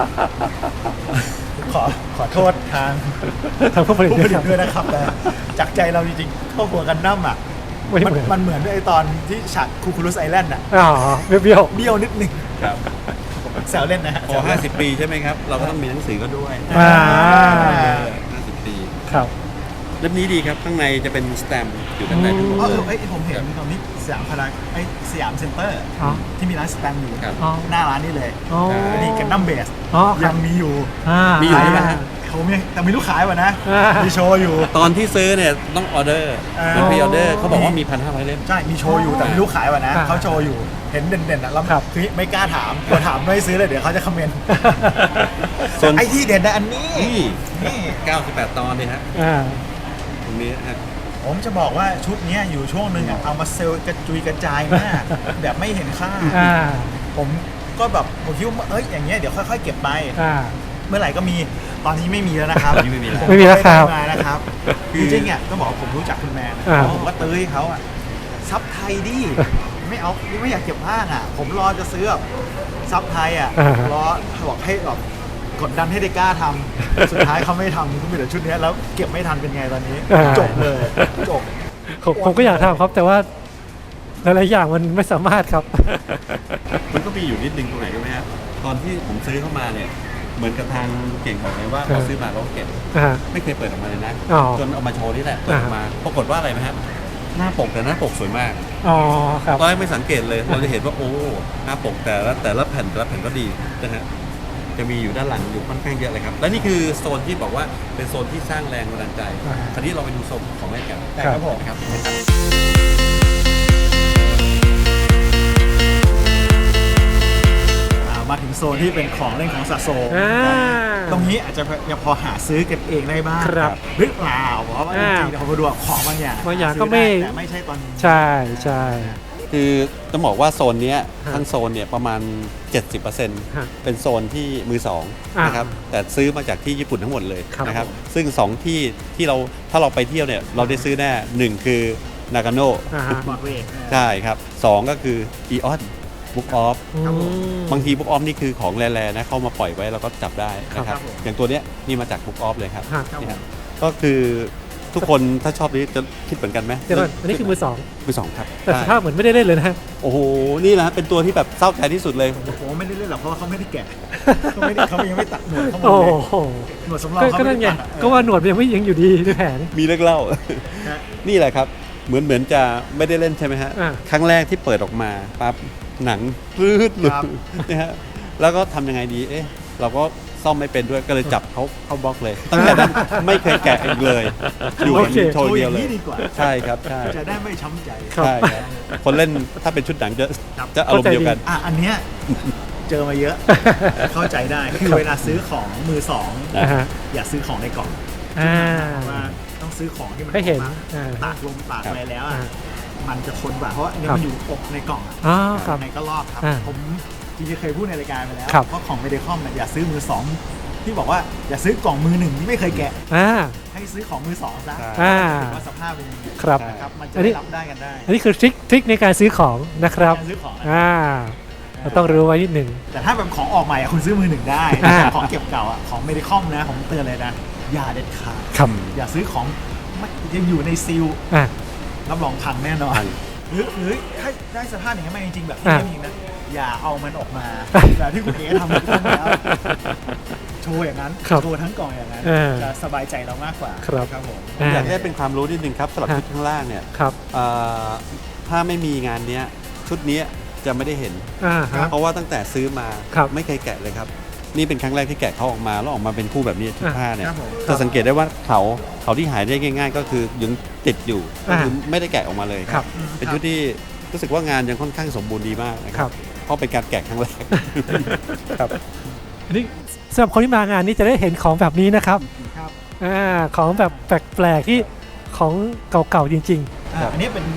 Speaker 2: ขอโทษทาง
Speaker 3: ทางผู้ผลิต
Speaker 2: ผู้
Speaker 3: ด้
Speaker 2: ผ
Speaker 3: วย
Speaker 2: ลิ
Speaker 3: ค
Speaker 2: ต
Speaker 3: รับ
Speaker 2: ด้วยนะครับแต่จากใจเราจริงๆเข้าหัวกันดั้มอ่ะ
Speaker 3: ไม่เหมือน
Speaker 2: มันเหมือนด้วยไอ้ตอนที่ฉากคูคูลุสไอแลนด์อ่ะ
Speaker 3: อ๋อเบี้ยว
Speaker 2: เบี้ยวนิดนึง
Speaker 4: ครับ
Speaker 2: แซวเล่นนะฮะ
Speaker 4: พอ 50 ปีใช่ไหมครับ เราก็ต้องมีหนังสือก็ด้วย
Speaker 3: อ่า
Speaker 4: 50 ปี
Speaker 3: ๆครับ
Speaker 4: เล่มนี้ดีครับข้างในจะเป็นสแตมป์อยู่ด้านในทั้งหมด
Speaker 2: อ๋อ
Speaker 4: เลย
Speaker 2: ผมเห็นตอนนี้สยามพารากสยามเซ็นเตอร์
Speaker 3: อ๋อ
Speaker 2: ที่มีร้านสแตมป์อยู่
Speaker 4: ครับ
Speaker 3: อ๋อ
Speaker 2: หน้าร้านนี่เลย
Speaker 3: อ๋อ
Speaker 2: นี่กันดั้มเบส
Speaker 3: อ๋อครั
Speaker 2: ยั
Speaker 3: บ
Speaker 2: งมีอยู่
Speaker 4: มีอยู่ใช่ไหมฮะ
Speaker 2: ผมยังแต่ไม่รู้ขายป่ะนะ
Speaker 3: อ่ามี
Speaker 2: มีโชว์อยู่
Speaker 4: ตอนที่ซื้อเนี่ยต้องออเดอร์
Speaker 2: อ่า
Speaker 4: มันพรีออเดอร์เขาบอกว่ามี 1,500 เล่ม
Speaker 2: ใช่ มีโชว์อยู่แต่ไม่รู้ขายป่ะนะ
Speaker 3: อ่า
Speaker 2: เขาโชว์อยู่ เห็นเด่นๆอ่ะแล้ว
Speaker 3: ครับ
Speaker 2: คือไม่กล้าถามกลัวถามไม่ซื้อเลยเดี๋ยวเขาจะคอมเมนต์
Speaker 4: ส่วน
Speaker 2: ไอ้ที่เด่นนะอันนี้
Speaker 4: นี่
Speaker 2: นี่
Speaker 4: 98 ตอนเนี่ยฮะ
Speaker 3: อ่า
Speaker 4: ตรงนี้ฮะ
Speaker 2: ผมจะบอกว่าชุดเนี้ยอยู่ช่วงหนึ่งอ่ะเอามาเซลล์กระจุยกระจายมาก แบบไม่เห็นค่า
Speaker 3: อ่า
Speaker 2: ผมก็แบบผมคิดว่าเอ้ยอย่างเงี้ยเดี๋ยวค่อยๆเก็บไป
Speaker 3: อ่า
Speaker 2: เมื่อไหร่ก็มีตอนนี้ไม่มีแล้วนะครับ
Speaker 4: ไม่มีแล้ว
Speaker 2: ผ
Speaker 3: ไม่มีแล้วครับ
Speaker 2: ไม่ได้มานะครับจริงๆอ่ะต้องบอกว่าผมรู้จักคุณแมน
Speaker 3: อ่า
Speaker 2: ผมก็ตื้อให้เขาอ่ะซับไทยดิไม่เอาไม่อยากเก็บผ้าอ่ะ ผมรอจะซื้อแบบซับไทยอ่ะรอบอกให้แบบกดดันให้ได้กล้าทำสุดท้ายเขาไม่ทำก็มีแต่ชุดเนี้ยแล้วเก็บไม่ทันเป็นไงตอนนี้ จบเลยจบ
Speaker 3: ผมก็อยากทำครับ แต่ว่าหลายๆอย่างมันไม่สามารถครับ
Speaker 4: มันก็มีอยู่นิดนึงตรงไหนรู้ไหมฮะตอนที่ผมซื้อเข้ามาเนี่ยเหมือนกับทางเก่งบอกเลยว่า
Speaker 3: ครับ
Speaker 4: เขาซื้อมาแล้วก็เก็บ
Speaker 3: อ่า
Speaker 4: ไม่เคยเปิดออกมาเลยนะ
Speaker 3: อ๋อ
Speaker 4: จนเอามาโชว์นี่แหละเปิดออกมาปรากฏว่าอะไรไหมฮะหน้าปกแต่หน้าปกสวยมาก
Speaker 3: อ๋อครับ
Speaker 4: ตอนแรกไม่สังเกตเลยเราจะเห็นว่าโอ้หน้าปกแต่ละแผ่นก็ดีนะฮะจะมีอยู่ด้านหลังอยู่ค่อนข้างเยอะเลยครับและนี่คือโซนที่บอกว่าเป็นโซนที่สร้างแรงบันดาลใจ
Speaker 3: อ่า
Speaker 4: คราวนี้เราไปดูโซนของแม่กัน
Speaker 2: ครับผม
Speaker 4: นะครับ
Speaker 2: มาถึงโซนที่เป็นของเล่นของสะสม
Speaker 3: อ่า
Speaker 2: ตรงนี้อาจจะยังพอหาซื้อกันเองได้บ้าง
Speaker 3: ครับ
Speaker 2: หรือเปล่าเพราะว่าจ
Speaker 3: อ่า
Speaker 2: ริงๆเราไปดูว่าของบางอย่าง
Speaker 3: บางอย่าง
Speaker 2: ซื้
Speaker 3: ก็ไม่
Speaker 2: ด้แต่ไม่ใช่ตอนนี้
Speaker 3: ใช่ใช่
Speaker 4: คือต้องบอกว่าโซนเนี้ย
Speaker 3: ฮะ
Speaker 4: ทั้งโซนเนี่ยประมาณ 70%
Speaker 3: ฮะ
Speaker 4: เป็นโซนที่มือสอง
Speaker 3: อ่าน
Speaker 4: นะครับแต่ซื้อมาจากที่ญี่ปุ่นทั้งหมดเลย
Speaker 3: ครับ
Speaker 4: นะครับซึ่งสองที่เราถ้าเราไปเที่ยวเนี่ยเราได้ซื้อแน่หนึ่งคือนากาโน่
Speaker 3: อ่าฮะ
Speaker 2: บอกเวก
Speaker 4: ใช่ครับสองก็คืออีออนบุ๊กออฟ
Speaker 2: ครับผม
Speaker 4: บางทีบุ๊กออฟนี่คือของแร่ๆนะเข้ามาปล่อยไว้เราก็จับได้นะค
Speaker 2: ครั
Speaker 4: รับบ
Speaker 2: ผม
Speaker 4: อย่างตัวเนี้ยนี่มาจากบุ๊กออฟเลยครับ
Speaker 3: ฮะ
Speaker 4: นี่ครับก็คือทุกคนถ้าชอบนี้จะคิดเหมือนกันไหม
Speaker 3: เดี๋ยวก่อนอันนี้คือมือสอง
Speaker 4: มือสองครับ
Speaker 3: แต่ส
Speaker 4: ใช่
Speaker 3: ภาพเหมือนไม่ได้เล่นเลยนะ
Speaker 4: โอ้โหนี่แหละฮะเป็นตัวที่แบบเศร้าใจที่สุดเลย
Speaker 2: โอ้โหไม่ได้เล่นหรอกเพราะว่าเขาไม่ได้แกะเขายังไม่ตัดหนวดเขาหมด
Speaker 3: โอ้
Speaker 2: เลย
Speaker 3: โห
Speaker 2: หนวดสำรองเขา
Speaker 3: ก็
Speaker 2: ไม่
Speaker 3: นั่นไง
Speaker 2: ได้ตัดอะ
Speaker 3: ก็ว่าหนวดมันยังไม่ยังอยู่ดีในแผง
Speaker 4: มีเรื่องเล่า
Speaker 2: ฮะ
Speaker 4: นี่แหละครับเหมือนจะไม่ได้เล่นใช่ไหมฮะ
Speaker 3: อ่า
Speaker 4: ครั้งแรกที่เปิดออกมาปั๊บหนังรืดหลุดนะฮะแล้วก็ทำยังไงดีเอ๊ะเราก็ซ่อมไม่เป็นด้วยก็เลยจับเขาเข้าบล็อกเลย ตั้งแต่นั้นไม่เคยแกะอีกเลยอยู่กับ
Speaker 3: โอเค
Speaker 4: โชว์เดียวเลย
Speaker 2: โชอย่างนี้ดีกว่า
Speaker 4: ใช่ครับใช่
Speaker 2: จะได้ไม่ช้ำใจ
Speaker 3: ครับ
Speaker 4: ใช่ครับคนเล่นถ้าเป็นชุดหนังจะ
Speaker 2: ครับ
Speaker 4: จะอารมณ์เดียวกัน
Speaker 2: อ่ะอันเนี้ยเจอมาเยอะ เข้าใจได้คือเวลาซื้อของมือสอง
Speaker 3: อ่าฮะ
Speaker 2: อย่าซื้อของในกล่อง
Speaker 3: อ่า
Speaker 2: ว่าต้องซื้อของที่มัน
Speaker 3: ให้เห็น
Speaker 2: ออกมา
Speaker 3: อ่า
Speaker 2: ตากลมตาก
Speaker 4: ครับ
Speaker 2: อะไรแล้ว
Speaker 3: อ่า
Speaker 2: อ่ะมันจะทนกว่าเพราะว่าอันนี้
Speaker 3: ครับ
Speaker 2: มันอยู่อบในกล่องอ่ะ
Speaker 3: อ๋อครับ
Speaker 2: ในก็รอบครับ
Speaker 3: อ่า
Speaker 2: ผมจริงๆเคยพูดในรายการไปแล้ว
Speaker 3: ครับ
Speaker 2: ว่าของเมเดคอมเนี่ยอย่าซื้อมือสองที่บอกว่าอย่าซื้อกล่องมือหนึ่งที่ไม่เคยแกะ
Speaker 3: อ่า
Speaker 2: ให้ซื้อของมือสองซะ
Speaker 3: อ่า
Speaker 2: ถือว่าสภาพเป็นยังไง
Speaker 3: ครับ
Speaker 2: นะครับมันจะ
Speaker 3: อันนี้
Speaker 2: ได้รับได้กันได้
Speaker 3: อันนี้คือทริคในการซื้อของนะครับ
Speaker 2: การซื้อของนะ
Speaker 3: อ่าเราต้องรู้ไว้นิดหนึ่ง
Speaker 2: แต่ถ้าแบบของออกใหม่อะคุณซื้อมือหนึ่งได้
Speaker 3: อ่า
Speaker 2: ของเก็บเก่าอ่ะของเมดิคอมนะผมเตือนเลยนะอย่าเด็ดขาด
Speaker 3: ครับ
Speaker 2: อย่าซื้อของไม่ยังอยู่ในซีล
Speaker 3: อ่า
Speaker 2: รับรองพังแน่นอน
Speaker 4: พัง
Speaker 2: หรือถ้าได้สภาพอย่างนั้นมาจริงๆแบบที่
Speaker 3: อ่ะ
Speaker 2: เล่มจริงนะอย่าเอามันออกมาแบบที่คุณเอ๋ทำทุกครั้งแล้วโชว์อย่างนั้น
Speaker 3: ครับ
Speaker 2: โชว์ทั้งกล่องอย่างนั้น จะสบายใจเรามากกว่า
Speaker 3: ครับ
Speaker 2: ครับผม
Speaker 4: ผมอยากให้เป็นความรู้นิดนึงครับสำหรับชุดข้างล่างเนี่ย
Speaker 3: ครับ
Speaker 4: ถ้าไม่มีงานเนี้ยชุดเนี้ยจะไม่ได้เห็น
Speaker 3: อ่าฮะ
Speaker 4: เพราะว่าตั้งแต่ซื้อมา
Speaker 3: ครับ
Speaker 4: ไม่เคยแกะเลยครับ นี่เป็นครั้งแรกที่แกะเขาออกมาแล้วออกมาเป็นคู่แบบนี้ชุดผ้าเนี่ย
Speaker 2: ครับผม
Speaker 4: จะสังเกตได้ว่าเขาที่หายได้ง่าย ๆ ก็คือยังติดอยู่ก็คือไม่ได้แกะออกมาเลย
Speaker 3: ครับ
Speaker 4: เป็นชุดที่รู้สึกว่างานยังค่อนข้างสมบูรณ์ดีมากนะค
Speaker 3: ครั
Speaker 4: รับ เพราะเป็นการแกะครั้งแรกครับ
Speaker 3: อันนี้สำหรับคนที่มางานนี้จะได้เห็นของแบบนี้นะครับ
Speaker 2: ครับ
Speaker 3: ของแบบแปลกๆที่ของเก่าๆจริง
Speaker 2: อันนี้เป็น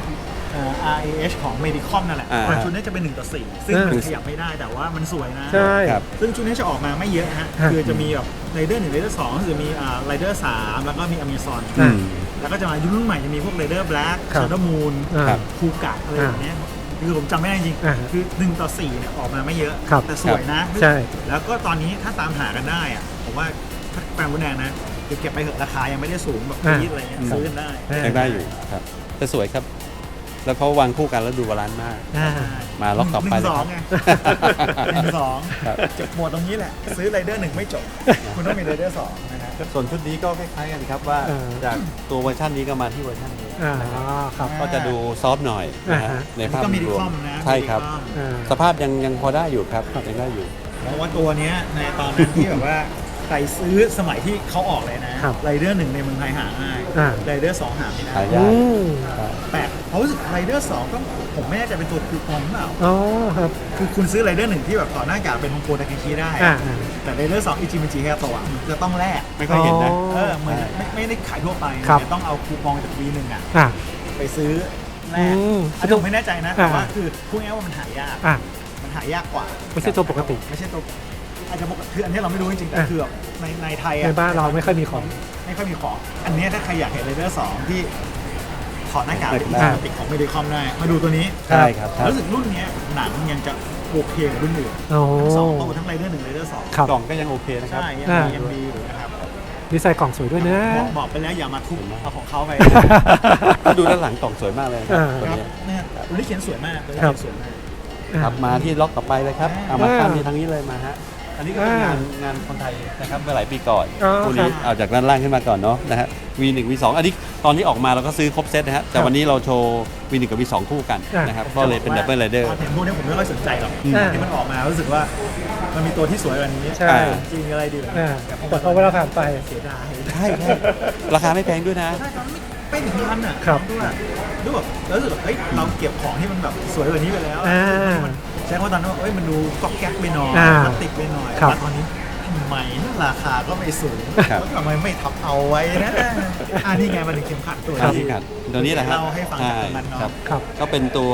Speaker 2: RAH ของ Medicom นั่นแหละ
Speaker 4: อ่า
Speaker 2: ชุดนี้จะเป็น1 ต่อ 4 ซึ่งมันขยับไม่ได้แต่ว่ามันสวยนะ
Speaker 3: ๆ ใช่
Speaker 4: ครับ
Speaker 2: ซึ่งชุดนี้จะออกมาไม่เยอะฮะ
Speaker 3: ฮะ
Speaker 2: คือจะมีแบบไรเดอร์1ไรเดอร์2จะมีไรเดอร์3แล้วก็มีอเมซอน
Speaker 3: อ่า
Speaker 2: แล้วก็จะมารุ่นใหม่จะมีพวกไรเดอร์แบล็ก
Speaker 3: ครับ
Speaker 2: ชาร์ดมูน
Speaker 3: ครับ
Speaker 2: คูกะอะไรแบบเนี้ยคือผมจำไม่ได้จริง
Speaker 3: อ่า
Speaker 2: คือ1 ต่อ 4เนี่ยออกมาไม่เยอะ
Speaker 3: ครับ
Speaker 2: แต่สวยนะ
Speaker 3: ใช่
Speaker 2: แล้วก็ตอนนี้ถ้าตามหากันได้อะผมว่าถ้าแฟนบุญแดงนะเก็บไปเถอะราคายังไม่ได้สูงแบบ
Speaker 3: อ่า
Speaker 2: พีดอะไรเงี้ยซื้อกันได้
Speaker 3: อ่า
Speaker 4: ยังได้อยู่ครับแต่สวยครับแล้วเขาวางคู่กันแล้วดูบาลานซ์มาก
Speaker 3: อ่า
Speaker 4: มาล็อกต่อไปเลยครับ
Speaker 2: 1-2 ไง 1-2
Speaker 4: ครับ
Speaker 2: จบหมวดตรงนี้แหละ ซื้อไรเดอร์1ไม่จบ คุณต้องมีไรเดอร์2นะครับ
Speaker 4: ส่วนชุดนี้ก็คล้ายๆกันครับว่า
Speaker 3: เออ
Speaker 4: จากตัวเวอร์ชันนี้ก็มาที่เวอร์ชันนี้
Speaker 3: อ่าครับ
Speaker 4: ก็จะดูซอฟต์หน่อยนะฮะ
Speaker 3: อ่าฮะ
Speaker 4: ในภาพ
Speaker 2: ก็มีดี
Speaker 4: รว
Speaker 2: คอ
Speaker 4: ม
Speaker 2: มนะ
Speaker 4: ใช่ครับ
Speaker 2: มีดีคอม
Speaker 3: อ่า
Speaker 4: สภาพยังพอได้อยู่ครับยังได้อยู่
Speaker 2: เพราะว่าตัวเนี้ยในตอนนั้นที่แบบว่าใครซื้อสมัยที่เขาออกเลยนะครับ ไรเดอร์1ในเมืองไทยหาง่าย
Speaker 3: อ่า
Speaker 2: ไรเดอร์2หาไม่ได้
Speaker 4: หายาก
Speaker 3: อืม
Speaker 2: แปลกเพราะรู้สึกไรเดอร์2ก็ผมไม่แน่ใจเป็นตัวคูปองหรือเปล่า
Speaker 3: อ๋อครับ
Speaker 2: คือคุณซื้อไรเดอร์1ที่แบบต่อหน้ากากเป็นฮงโกดากิชิได้
Speaker 3: อ่า
Speaker 2: แต่ไรเดอร์2อิจิมิจิแค่ตัวมันจะต้องแลก
Speaker 4: ไม่ค่อยเห็นนะ
Speaker 2: เออเหมือนไม่ได้ขายทั่วไป
Speaker 3: ครับ
Speaker 2: จะต้องเอาคูปองจาก V1 อ่ะ
Speaker 3: อ่า
Speaker 2: ไปซื้อแลก
Speaker 3: อืม
Speaker 2: อันนี้ผมไม่แน่ใจนะแต่ว่า
Speaker 3: อ่า
Speaker 2: คือพูดง่ายๆว่ามันหายาก
Speaker 3: อ่า
Speaker 2: มันหายากกว่า
Speaker 3: ไม่ใช่ตัวปกติ
Speaker 2: ไม่ใช่ตัวอาจจะปกติคืออันนี้เราไม่รู้จริงๆแต่
Speaker 3: อ่ะ
Speaker 2: คือแบบในไทยอะ
Speaker 3: ในบ้านเราไม่ค่อยมีของ
Speaker 2: ไม่ค่อยมีของ อันเนี้ยถ้าใครอยากเห็นเรเดอร์2ที่ถอดหน้ากากเป็น
Speaker 3: อ่ะ
Speaker 2: ปกติของเมดิคอมได้มาดูตัวนี้
Speaker 4: ใช่ครับ
Speaker 2: รู้สึกรุ่นเนี้ยหนังยังจะโอเคกว่ารุ่นอื่น
Speaker 3: โอ้
Speaker 2: ทั้งสองตัวทั้งไรเดอร์1ไรเดอร์2
Speaker 3: ครับ
Speaker 4: กล่องก็ยังโอเคนะครับ
Speaker 2: ใช่ยัง
Speaker 3: อ่า
Speaker 2: ดียังดีอยู่นะครับ
Speaker 3: ดีไซน์กล่องสวยด้วยนะ
Speaker 2: บอกไปแล้วอย่ามาทุบเอาของเขาไป
Speaker 4: ถ้าดูด้านหลังกล่องสวยมากเลยนะครับ
Speaker 3: อ่า
Speaker 4: ตัว
Speaker 2: ครับ
Speaker 4: นี้
Speaker 2: เนี่ยตัวนี้เขียนสวยมากตัวนี้
Speaker 3: ครับ
Speaker 2: เขียนสวยมาก
Speaker 4: ครับมาที่ล็อกต่อไปเลยครับเอามา
Speaker 3: อ่า
Speaker 4: ข้ามที่ทางนี้เลยมาฮะอันนี้ก็เป็นงานคนไทยนะครับเมื่อหลายปีก่อน
Speaker 3: อ๋อ
Speaker 4: คู่นี้
Speaker 3: ครับ
Speaker 4: เอาจากด้านล่างขึ้นมาก่อนเนาะนะฮะ V1 V2 อันนี้ตอนนี้ออกมาเราก็ซื้อครบเซตนะฮะแต่วันนี้เราโชว์ V1 กับ V2 คู่กัน
Speaker 3: อ่าน
Speaker 4: นะครับก็เลยเป็นดับเบิลไรเดอร์
Speaker 2: ตอนเห็นพวกนี้ผมไม่ค่อยสนใจหรอก
Speaker 3: อ่า
Speaker 2: ที่มันออกมารู้สึกว่ามันมีตัวที่สวยกว่านี้
Speaker 3: ใช่
Speaker 2: จริงอะไรดีกว่า
Speaker 3: อ่า
Speaker 2: นี้
Speaker 3: แต่พอเวลาผ่านไป
Speaker 2: เสียดาย
Speaker 4: ใช่ราคาไม่แพงด้วยนะ
Speaker 2: ใช่ครับไม่ถึงพันอ่ะ
Speaker 3: ครับ
Speaker 2: ด้วยแบบแล้วรู้สึกแบบเฮ้ยเราเก็บของที่มันแบบสวยกว่านี้ไปแล้ว
Speaker 3: อ่า
Speaker 2: มันใช้คำว่าตอนนั้นว่าเอ้ยมันดูก๊อกแก๊กไปหน่อย
Speaker 3: อ่า
Speaker 2: พลาสติกไปหน่อย
Speaker 3: ครับ
Speaker 2: แต่ตอนนี้ทำไมราคาก็ไม่สูง
Speaker 4: ครับ
Speaker 2: ทำไมไม่ทับเอาไว้นะนี่ไงมันถึงเข็มขัดตัว
Speaker 4: ครับ
Speaker 2: นี้
Speaker 4: ครับตัวนี้แหละครับ
Speaker 2: เล่าให้ฟังจากตรงนั้นเนาะ
Speaker 4: ครับ
Speaker 3: ครับ
Speaker 4: ก็เป็นตัว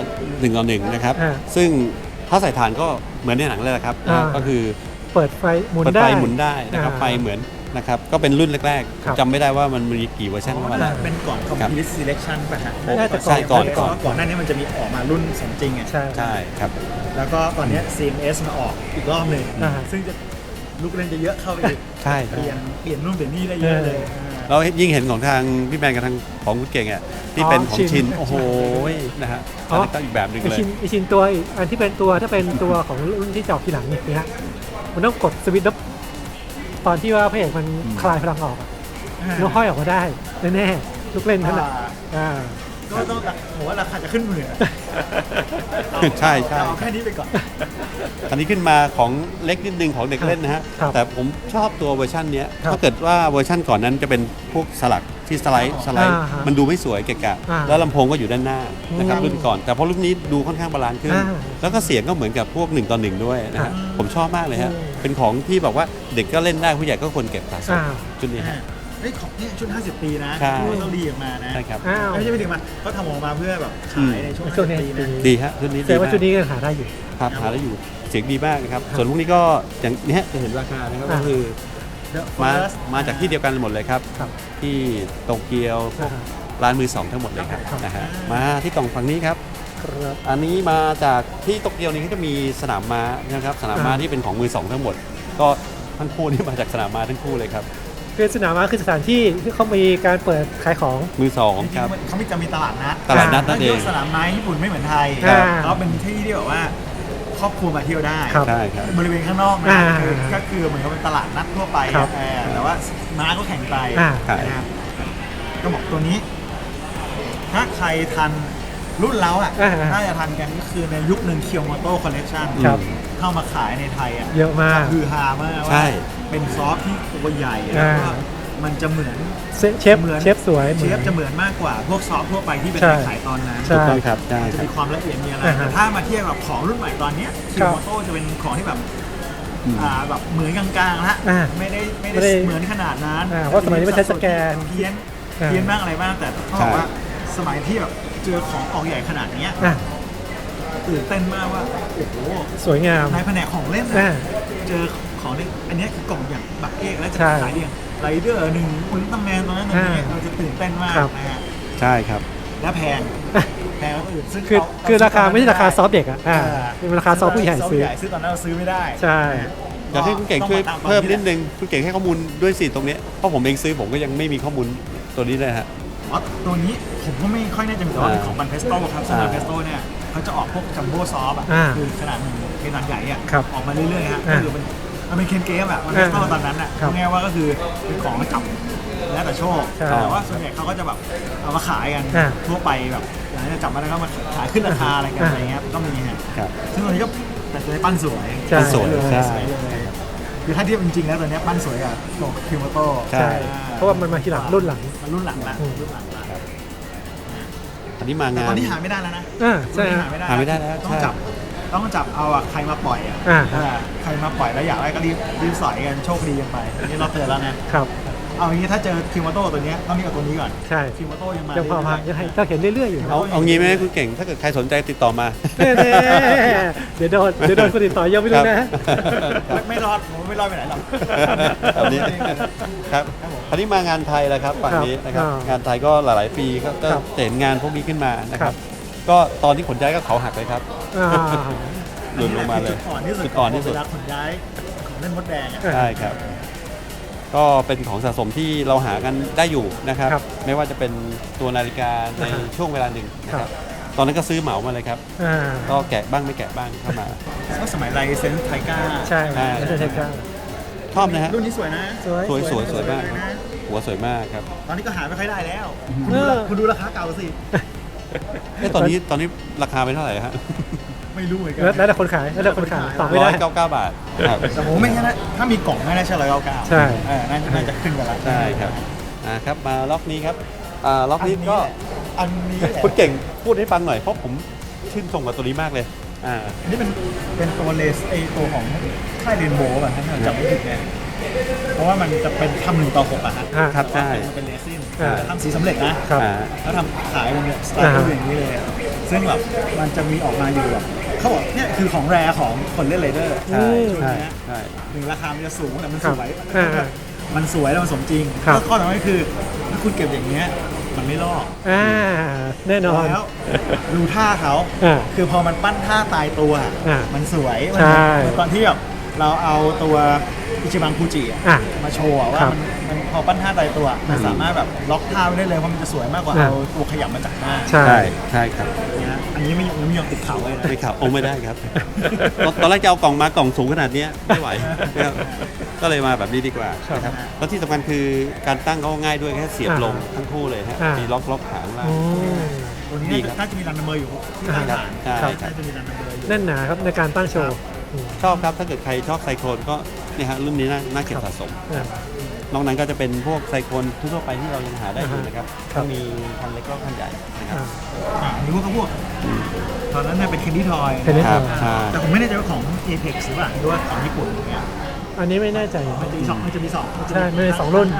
Speaker 4: 1ต่อ1นะครับ
Speaker 3: อ่า
Speaker 4: ซึ่งถ้าใส่ถ่านก็เหมือนในหนังเลยแหละครับ
Speaker 3: อ่า
Speaker 4: ก็คือ
Speaker 3: เปิดไฟหมุน
Speaker 4: เปิด
Speaker 3: ได้
Speaker 4: ไฟหมุนได้นะครับ
Speaker 3: อ่า
Speaker 4: ไฟเหมือนนะครับก็เป็นรุ่นแรก
Speaker 3: ครับ
Speaker 4: ๆจำไม่ได้ว่ามันมีกี่เวอร์ชันเข้ามาแล้ว
Speaker 2: เป็นก่อน complete selection ป่ะฮะ
Speaker 3: น่าจะ
Speaker 4: ใช่ก่อน
Speaker 2: เพราะว่าก่อนหน้านี้มันจะมีออกมารุ่นสมจริงอ่ะ
Speaker 3: ใช่
Speaker 4: ใช่ครับ
Speaker 2: แล้วก็ตอนเนี้ย CMS มาออกอีกรอบหนึ่ง
Speaker 3: อ่า
Speaker 2: ซึ่งจะลูกเล่นจะเยอะเข้าไปอีก
Speaker 4: ใช่
Speaker 2: เปลี่ยนนู่นเปลี่ยนนี่ได้เยอะเลย
Speaker 4: เรายิ่งเห็นของทางพี่แมนกับทางของคุณเก่งอ่ะที่เป็นของชินโอ้โหนะฮะ
Speaker 3: อ๋อ
Speaker 4: อันนี้ก็อีกแบบหนึ่ง
Speaker 3: ไอ
Speaker 4: เลย
Speaker 3: ชินไอชินตัวอีกอันที่เป็นตัวถ้าเป็นตัวของรุ่นที่จะออกทีหลังนี่นะฮะมันต้องกดสวิตช์แล้วตอนที่ว่าพระเอกมันคลายพลังออกอะแล้วห้อยออกมาได้แน่ๆลูกเล่นนั่นแหละอ่า
Speaker 2: ก็ต้องผมว่าราคาจะขึ้นหมื่นอะ
Speaker 4: ใช่ใช่
Speaker 2: เอาแค่นี้ไปก่อน
Speaker 4: อันนี้ขึ้นมาของเล็กนิดนึงของเด็กเล่นนะฮะ
Speaker 3: ครับ
Speaker 4: แต่ผมชอบตัวเวอร์ชันเนี้ย
Speaker 3: ครับ
Speaker 4: ถ้าเกิดว่าเวอร์ชันก่อนนั้นจะเป็นพวกสลักที่สไลด์
Speaker 3: อ่าฮะ
Speaker 4: มันดูไม่สวยเกะกะ
Speaker 3: อ่า
Speaker 4: แล้วลำโพงก็อยู่ด้านหน้านะครับ
Speaker 3: อืม
Speaker 4: รุ่นก่อน แต่พอรุ่นนี้ดูค่อนข้างบาลานซ์ขึ้น
Speaker 3: อ่า
Speaker 4: แล้วก็เสียงก็เหมือนกับพวก1ต่อ1ด้วยนะฮะ
Speaker 3: อ่า
Speaker 4: ผมชอบมากเลยฮะ
Speaker 3: อืม
Speaker 4: เป็นของที่แบบว่าเด็กก็เล่นได้ผู้ใหญ่ก็ควรเก็บสะสม
Speaker 3: อ่า
Speaker 4: ชุดนี้ฮะ
Speaker 2: เฮ้ยของเนี่ยชุด 50 ปีนะ
Speaker 4: ใช่
Speaker 2: ที่ต้องดีออกมานะ
Speaker 4: ใช่ครับ
Speaker 3: อ้าว
Speaker 2: ไม่ใช่ไม่ถึงมาเขาทำออกมาเพื่อแบบขายในช่วง
Speaker 3: ช่วงนี้
Speaker 2: 50 ปีนะ
Speaker 4: ดีฮะชุดนี้
Speaker 3: แต่
Speaker 4: ดี
Speaker 3: ว่า
Speaker 4: มา
Speaker 3: ชุด
Speaker 4: ก
Speaker 3: นี้ก็หาได้อยู่
Speaker 4: ครับหาได้อยู่เสียงดีมากนะครับส่วนพวกนี้ก็อย่างนี้ฮะจะเห็นราคานะครับ
Speaker 3: อ่า
Speaker 4: ก็คือ
Speaker 2: The
Speaker 4: มา
Speaker 2: First
Speaker 4: มาจากที่เดียวกันหมดเลยครับ
Speaker 3: ครับ
Speaker 4: ที่โตเกียวพวก
Speaker 3: อ่า
Speaker 4: ร้านมือสองทั้งหมดเลยครับ
Speaker 3: ครับ
Speaker 4: นะฮะมาที่กล่องฝั่งนี้ครับ
Speaker 3: ครับ
Speaker 4: อันนี้มาจากที่โตเกียวนี้เขาจะมีสนามม้านะครับสนามม้า
Speaker 3: อ่า
Speaker 4: ที่เป็นของมือสองทั้งหมด ก็ทั้งคู่นี่มาจากสนามม้าทั้งคู่เลยครับ
Speaker 3: คือสนามม้าคือสถานที่ที่เขามีการเปิดขายของ
Speaker 4: มือสอง
Speaker 2: จริง
Speaker 4: ครับ
Speaker 2: ๆเขาจะมีตลาดนัด
Speaker 4: ตลาดนัดนั่นเอง
Speaker 2: แล้วสนามไม้ญี่ปุ่นไม่เหมือนไทย
Speaker 3: ครับ
Speaker 2: เขาเป็นที่ที่แบบว่าครอบครัวมาเที่ยวได้
Speaker 3: ครับ
Speaker 4: ใช่ครับ
Speaker 2: บริเวณข้างนอกนะ
Speaker 3: อ่า
Speaker 2: ก็คือเหมือนกับเป็นตลาดนัดทั่วไป
Speaker 3: ครับ
Speaker 2: แต่ว่าม้าก็แข่งไป
Speaker 3: อ่า
Speaker 2: นะครับก็บอกตัวนี้ ถ้าใครทันรุ่นเราอ่ะ
Speaker 3: อ่า
Speaker 2: น่าจะทันกันก็คือในยุคหนึ่งเคียวโมโต้คอลเล t ชัน
Speaker 3: ครับ
Speaker 2: เข้ามาขายในไทยอ่ะ
Speaker 3: เยอะมาก
Speaker 2: คือฮามาก
Speaker 4: ใช่
Speaker 2: ว่าเป็นซอฟต์ที่ตัวใหญ่แล้วก็
Speaker 3: อ่า
Speaker 2: มันจะเหมือน
Speaker 3: เชฟ
Speaker 2: เหมือน
Speaker 3: เชฟสวย
Speaker 2: เชฟจะเหมือนมากกว่าพวกซอฟต์ทั่วไปที่เป็น
Speaker 3: ใช่
Speaker 2: ขายตอนนั้น
Speaker 3: ใช่
Speaker 4: ถูกต้องครับใช่
Speaker 2: จะ
Speaker 4: ครับ
Speaker 2: มีความละเอียดมีอะไร
Speaker 3: อ่าฮะ
Speaker 2: แต่ถ้ามาเทียบกับของรุ่นใหม่ตอนเนี้ย
Speaker 3: ค
Speaker 2: คิ
Speaker 3: รั
Speaker 2: ว
Speaker 3: บ
Speaker 2: โมโต้จะเป็นของที่แบบ
Speaker 4: อืม
Speaker 2: แบบเหมือนกลางๆละ
Speaker 3: อ่า
Speaker 2: ไม่ได้
Speaker 3: ไม่ได้
Speaker 2: เหมือนขนาดนั้น
Speaker 3: เพราะสมัยนี้มันใช้สแกน
Speaker 2: เพี้ยน
Speaker 3: อ่า
Speaker 2: เพี้ยนบ้างอะไรบ้างแต่ต้องบอกว่าสมัยที่แบบเจอของออกใหญ่ขนาดเนี้ย
Speaker 3: อ่ะ
Speaker 2: ตื่นเต้นมากว่าโอ้โห
Speaker 3: สวยงาม
Speaker 2: ในแผนกของเล่น
Speaker 3: อ่า
Speaker 2: นะเจอของเล่นอันเนี้ยคือกล่องอย่างบักเอกแล้วจะ
Speaker 3: ใช่
Speaker 2: ขายเรียงไรเดอร์หนึ่งอุลตร้าแมนตอนนั้นตรงนี้
Speaker 3: อ่า
Speaker 2: เราจะตื่นเต้นมาก
Speaker 3: ครับ
Speaker 2: นะฮะ
Speaker 4: ใช่ครับ
Speaker 2: และแพงแพงกว่าคนอื่นซึ่ง
Speaker 3: คือ
Speaker 2: เอ
Speaker 3: คือราคาไม่ใช่ราคาซอฟต์เด็กอ่ะ
Speaker 2: อ่า
Speaker 3: เป็นราคาซอฟต์ผู้ใหญ่ซื้อ
Speaker 2: ซื้อตอนนั้นเราซื้อไม่ได้
Speaker 3: ใช่
Speaker 4: อยากให้คุณเก่งช่วยเพิ่มนิดนึงคุณเก่งให้ข้อมูลด้วยสิตรงนี้เพราะผมเองซื้อผมก็ยังไม่มีข้อมูลตัวนี้เลยฮะ
Speaker 2: อ๋อตัวนี้ผมก็ไม่ค่อยแน่ใจเหมือนกันว่าเป็นของบันเพสโต้ครับซึ่งบันเพสโต้เนี่ยเขาจะออกพวกจัมโบ้ซอฟต์อ่ะคือขนาดขนาดใหญ่อ่ะออกมาเรื่อยๆฮะก็คือมันเป็นเคนเกมอะบันเพสโต้ตอนนั้นอ่ะง่ายว่าก็คือเป็นของจับแล้วแต่โชคแต่ว่าส่วนใหญ่เขาก็จะแบบเอามาขายกันทั่วไปแบบอย่างนี้จับมาแล้วก็มาขายขึ้นราคาอะไรกันอะไรเงี้ยก็มีฮะซึ่งตัวนี้ก็แต่ตัวนี้ปั้นสวย
Speaker 4: สวย
Speaker 2: ใช่คือถ้าเทียบจริงๆแล้วตัวนี้ปั้นสวยกับตัวคิวโมโต้
Speaker 3: ใช่เพราะว่ามันมาทีหลังรุ่นหลัง
Speaker 2: มันรุ่นหลังละ
Speaker 4: อันนี้มางาน
Speaker 2: ตอนนี้หาไม่ได้แล้วนะ
Speaker 3: ใช่
Speaker 4: หาไม่ได้แล้ว
Speaker 2: ต้องจับเอาใครมาปล่อยใครมาปล่อยแล้วอยากได้ก็รีบสอยกันโชคดีกันไปอันนี้เราเตือนแล้วนะครับเอาอย่างนี้ถ้าเจอคิวโมโต้ตัวนี้ต้องมีกับตัวนี้ก่อน
Speaker 3: ใช่
Speaker 2: คิวโมโต้ยังมา
Speaker 3: พอมายังให้เราเห็นเรื่อยๆอยู่
Speaker 4: เอางี้ไหมคุณเก่งถ้าเกิดใครสนใจติดต่อมา
Speaker 3: เดี๋ยวโดนคนติดต่อเยอะไม่รู้นะ
Speaker 2: ไม่รอดผมไม่รอดไปไหนหรอก
Speaker 4: แบบนี้ครับอันนี้มางานไทยแล้วครับฝั่งนี้นะครับงานไทยก็หลายๆปีก็เห็นงานพวกนี้ขึ้นมานะครับก็ตอนที่ขนย้ายก็เขาหักเลยครับหลุดลงมาเลย
Speaker 2: จุดอ่อนที่สุดเวลาขนย้ายของเล่นมดแดง
Speaker 4: ใช่ครับก็เป็นของสะสมที่เราหากันได้อยู่นะครับไม่ว่าจะเป็นตัวนาฬิกาในช่วงเวลาหนึ่งนะครับตอนนั้นก็ซื้อเหมามาเลยครับก็แกะบ้างไม่แกะบ้างเข้ามา
Speaker 2: ก็สมัยไลเซนส์ไทก้า
Speaker 3: ใช่ไทก้า
Speaker 4: ชอบนะฮะ
Speaker 2: รุ่นนี้สวยนะ
Speaker 4: สวยมากหัวสวยมากครับ
Speaker 2: ตอนนี้ก็หาไม่ค่อยได้แล้วคุณดูราคาเก่าสิ
Speaker 4: ตอนนี้ราคาเป็นเท่าไหร่ฮะ
Speaker 2: ไม่รู้เหมือนกัน
Speaker 3: แล้วแต่คนขายต่อไม่ได้
Speaker 4: 199 บาท
Speaker 2: แต่ผมไม่ใช่นะถ้ามีกล่องไม่ได้ใช่199
Speaker 3: ใช่
Speaker 2: น่าจะขึ้นกันแล้ว
Speaker 4: ใช่ครับครับมาล็อกนี้ครับล็อกนี้ก็
Speaker 2: อันนี้
Speaker 4: คุณเก่งพูดให้ฟังหน่อยเพราะผมชื่นชมกับตัวนี้มากเลย
Speaker 2: อันนี้เป็นตัวเลสตัวของค่ายเรนโบว์ป่ะถ้าจำไม่ผิดเนี่ยเพราะว่ามันจะเป็นทำ1:6อ่ะ
Speaker 4: ครับใช่
Speaker 2: มันเป็นเรซินทำสีสำเร็จนะแล้วทำขายมันเนี่ยสไตล์อย่างนี้เลยซึ่งแบบมันจะมีออกมาอยู่แบบเขาบอกเนี่ยคือของแรของคนเล่นไรเดอร์
Speaker 4: ใช่
Speaker 2: ถึงราคามันจะสูงแต่มันสวยมันสวยแล้วมันสมจริงแล้วข้อสำคัญคือถ้าคุณเก็บอย่างเงี้ยมันไม่ลอก
Speaker 3: แน่นอน
Speaker 2: แล้วดูท่าเขาคือพอมันปั้นท่าตายตัวมันสวยตอนที่แบบเราเอาตัวอิชิบังคูจิมาโชว์ว่ามันพอปั้นท่าตายตัวมันสามารถแบบล็อกท่าได้เลยเพราะมันจะสวยมากกว่าเอาตัวขยับมาจากหน้า
Speaker 4: ใช่ครับ
Speaker 2: อันนี้ไม่ยอมติดเข่าเลยนะ
Speaker 4: ติดเข่าไม่ได้ครับตอนแรกจะเอากล่องมากล่องสูงขนาดนี้ไม่ไหวก็เลยมาแบบนี้ดีกว่านะครับแล้วที่สำคัญคือการตั้งเขาง่ายด้วยแค่เสียบลงทั้งคู่เลยฮะมีล็อกหางล่าง
Speaker 2: ตัวนี้น่าจะมีรันเมอร์อยู่ที่ฐาน
Speaker 4: ใช่
Speaker 2: จะมีรันเมอร์อยู่
Speaker 3: แน่นหนาครับในการตั้งโชว์
Speaker 4: ชอบครับถ้าเกิดใครชอบไซโคลนก็เนี่ยฮะรุ่นนี้น่าเก็บสะสมนอกนั้นก็จะเป็นพวกไซโคลนทั่วไปที่เรายังหาได้อยู่นะครับก็มีคันเล็กก็คันใหญ่นะครับ
Speaker 2: มีพวกตอนนั้นเนี่ยเป็นเคนดี้ทอยแต่ผมไม่แน่ใจว่าของ Apex หรือเปล่าหรือว่าของญี่ปุ่นอย่างเงี้ย
Speaker 3: อันนี้ไม่แน่ใจ
Speaker 2: มันจะมีสอง
Speaker 3: ใช่ไม่2 รุ่น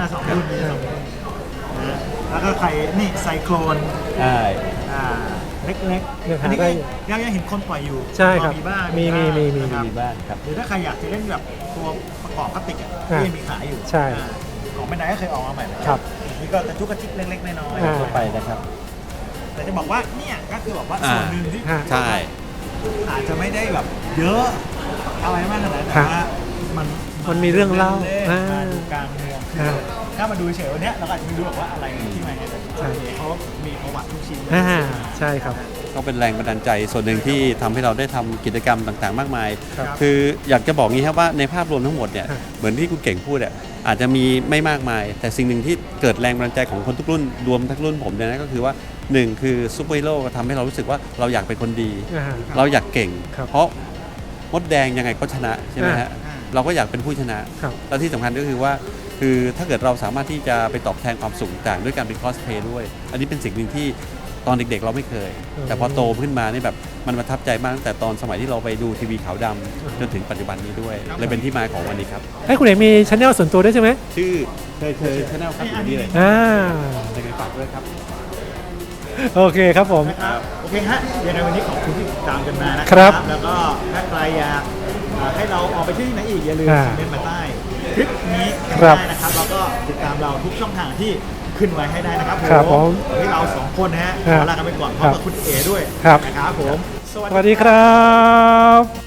Speaker 2: แล้วก็ใครนี่ไซโคลนเล็กๆอันนี้ก็ยังเห็นคนปล่อยอยู่
Speaker 3: ใช่ครับ
Speaker 2: มีบ้าง
Speaker 3: มี
Speaker 4: บ้างครับ
Speaker 2: หรือถ้าใครอยากจะเล่นแบบตัวประกอบพลาสติกที่ยังมีขายอยู่
Speaker 3: ใช่
Speaker 2: ของแบรนด์ไหนก็เคยออกมาใหม่
Speaker 3: ครับ
Speaker 2: นี่ก็กระจุกกระจิกเล็กๆน้อย
Speaker 4: ๆทั่วไปนะครับ
Speaker 2: แต่จะบอกว่าเนี่ยก็คือบอกว่าส่วนหนึ่งที่
Speaker 4: ใช่
Speaker 2: อาจจะไม่ได้แบบเยอะอะไรมากขนาดนั้นแต่ว่า
Speaker 3: มันมีเรื่องเล่า
Speaker 2: ดูกลางเมืองถ้ามาดูเฉยวันนี้เราอาจจะไม่รู้หรอกว่าอะไรที่มาเนี่ยเขามีประวัติทุกชิ้น
Speaker 3: ใช่ครับ
Speaker 4: ก็เป็นแรงบันดาลใจส่วนหนึ่งที่ทำให้เราได้ทำกิจกรรมต่างๆมากมายคืออยากจะบอกงี้ครับว่าในภาพรวมทั้งหมดเนี่ยเหมือนที่คุณเก่งพูดอาจจะมีไม่มากมายแต่สิ่งหนึ่งที่เกิดแรงบันดาลใจของคนทุกรุ่นรวมทั้งรุ่นผมเนี่ยนะก็คือว่า1คือซูเปอร์ฮีโร่ทำให้เรารู้สึกว่าเราอยากเป็นคนดีเราอยากเก่งเพราะมดแดงยังไงก็ชนะใช่ไหมฮะเราก็อยากเป็นผู้ชนะและที่สำคัญก็คือว่าคือถ้าเกิดเราสามารถที่จะไปตอบแทนความสุขต่างด้วยการเป็นคอสเพลย์ด้วยอันนี้เป็นสิ่งหนึ่งที่ตอนเด็กๆเราไม่เคยแต่พอโตขึ้นมานี่แบบมันประทับใจมากตั้งแต่ตอนสมัยที่เราไปดูทีวีขาวดำจนถึงปัจจุบันนี้ด้วยเลยเป็นที่มาของวันนี้ครับ
Speaker 3: ให้คุณเอกมีช่องส่วนตัวด้วยใช่ไหม
Speaker 4: ชื่อเคยช่องครับอยู่นี่เลยยังไงฝากด้วยครับ
Speaker 3: โอเคครับผม
Speaker 2: โอเคฮะยังไงวันนี้ขอบคุณที่ติดตามกันมานะครับแล้วก็ถ้าใครอยากให้เราออกไปที่ไหนอีกอย่าลืมคอมเมนต์มาใต้คลิปนี้ได้นะครับแล้วก็ติดตามเราทุกช่องทางที่ขึ้นไว้ให้ได้นะครับผมวันนี้เรา2 คนนะฮะลากันไปก่อนพร้อมกับคุณเอ๋ด้วยนะครับผม
Speaker 3: สวัสดีครับ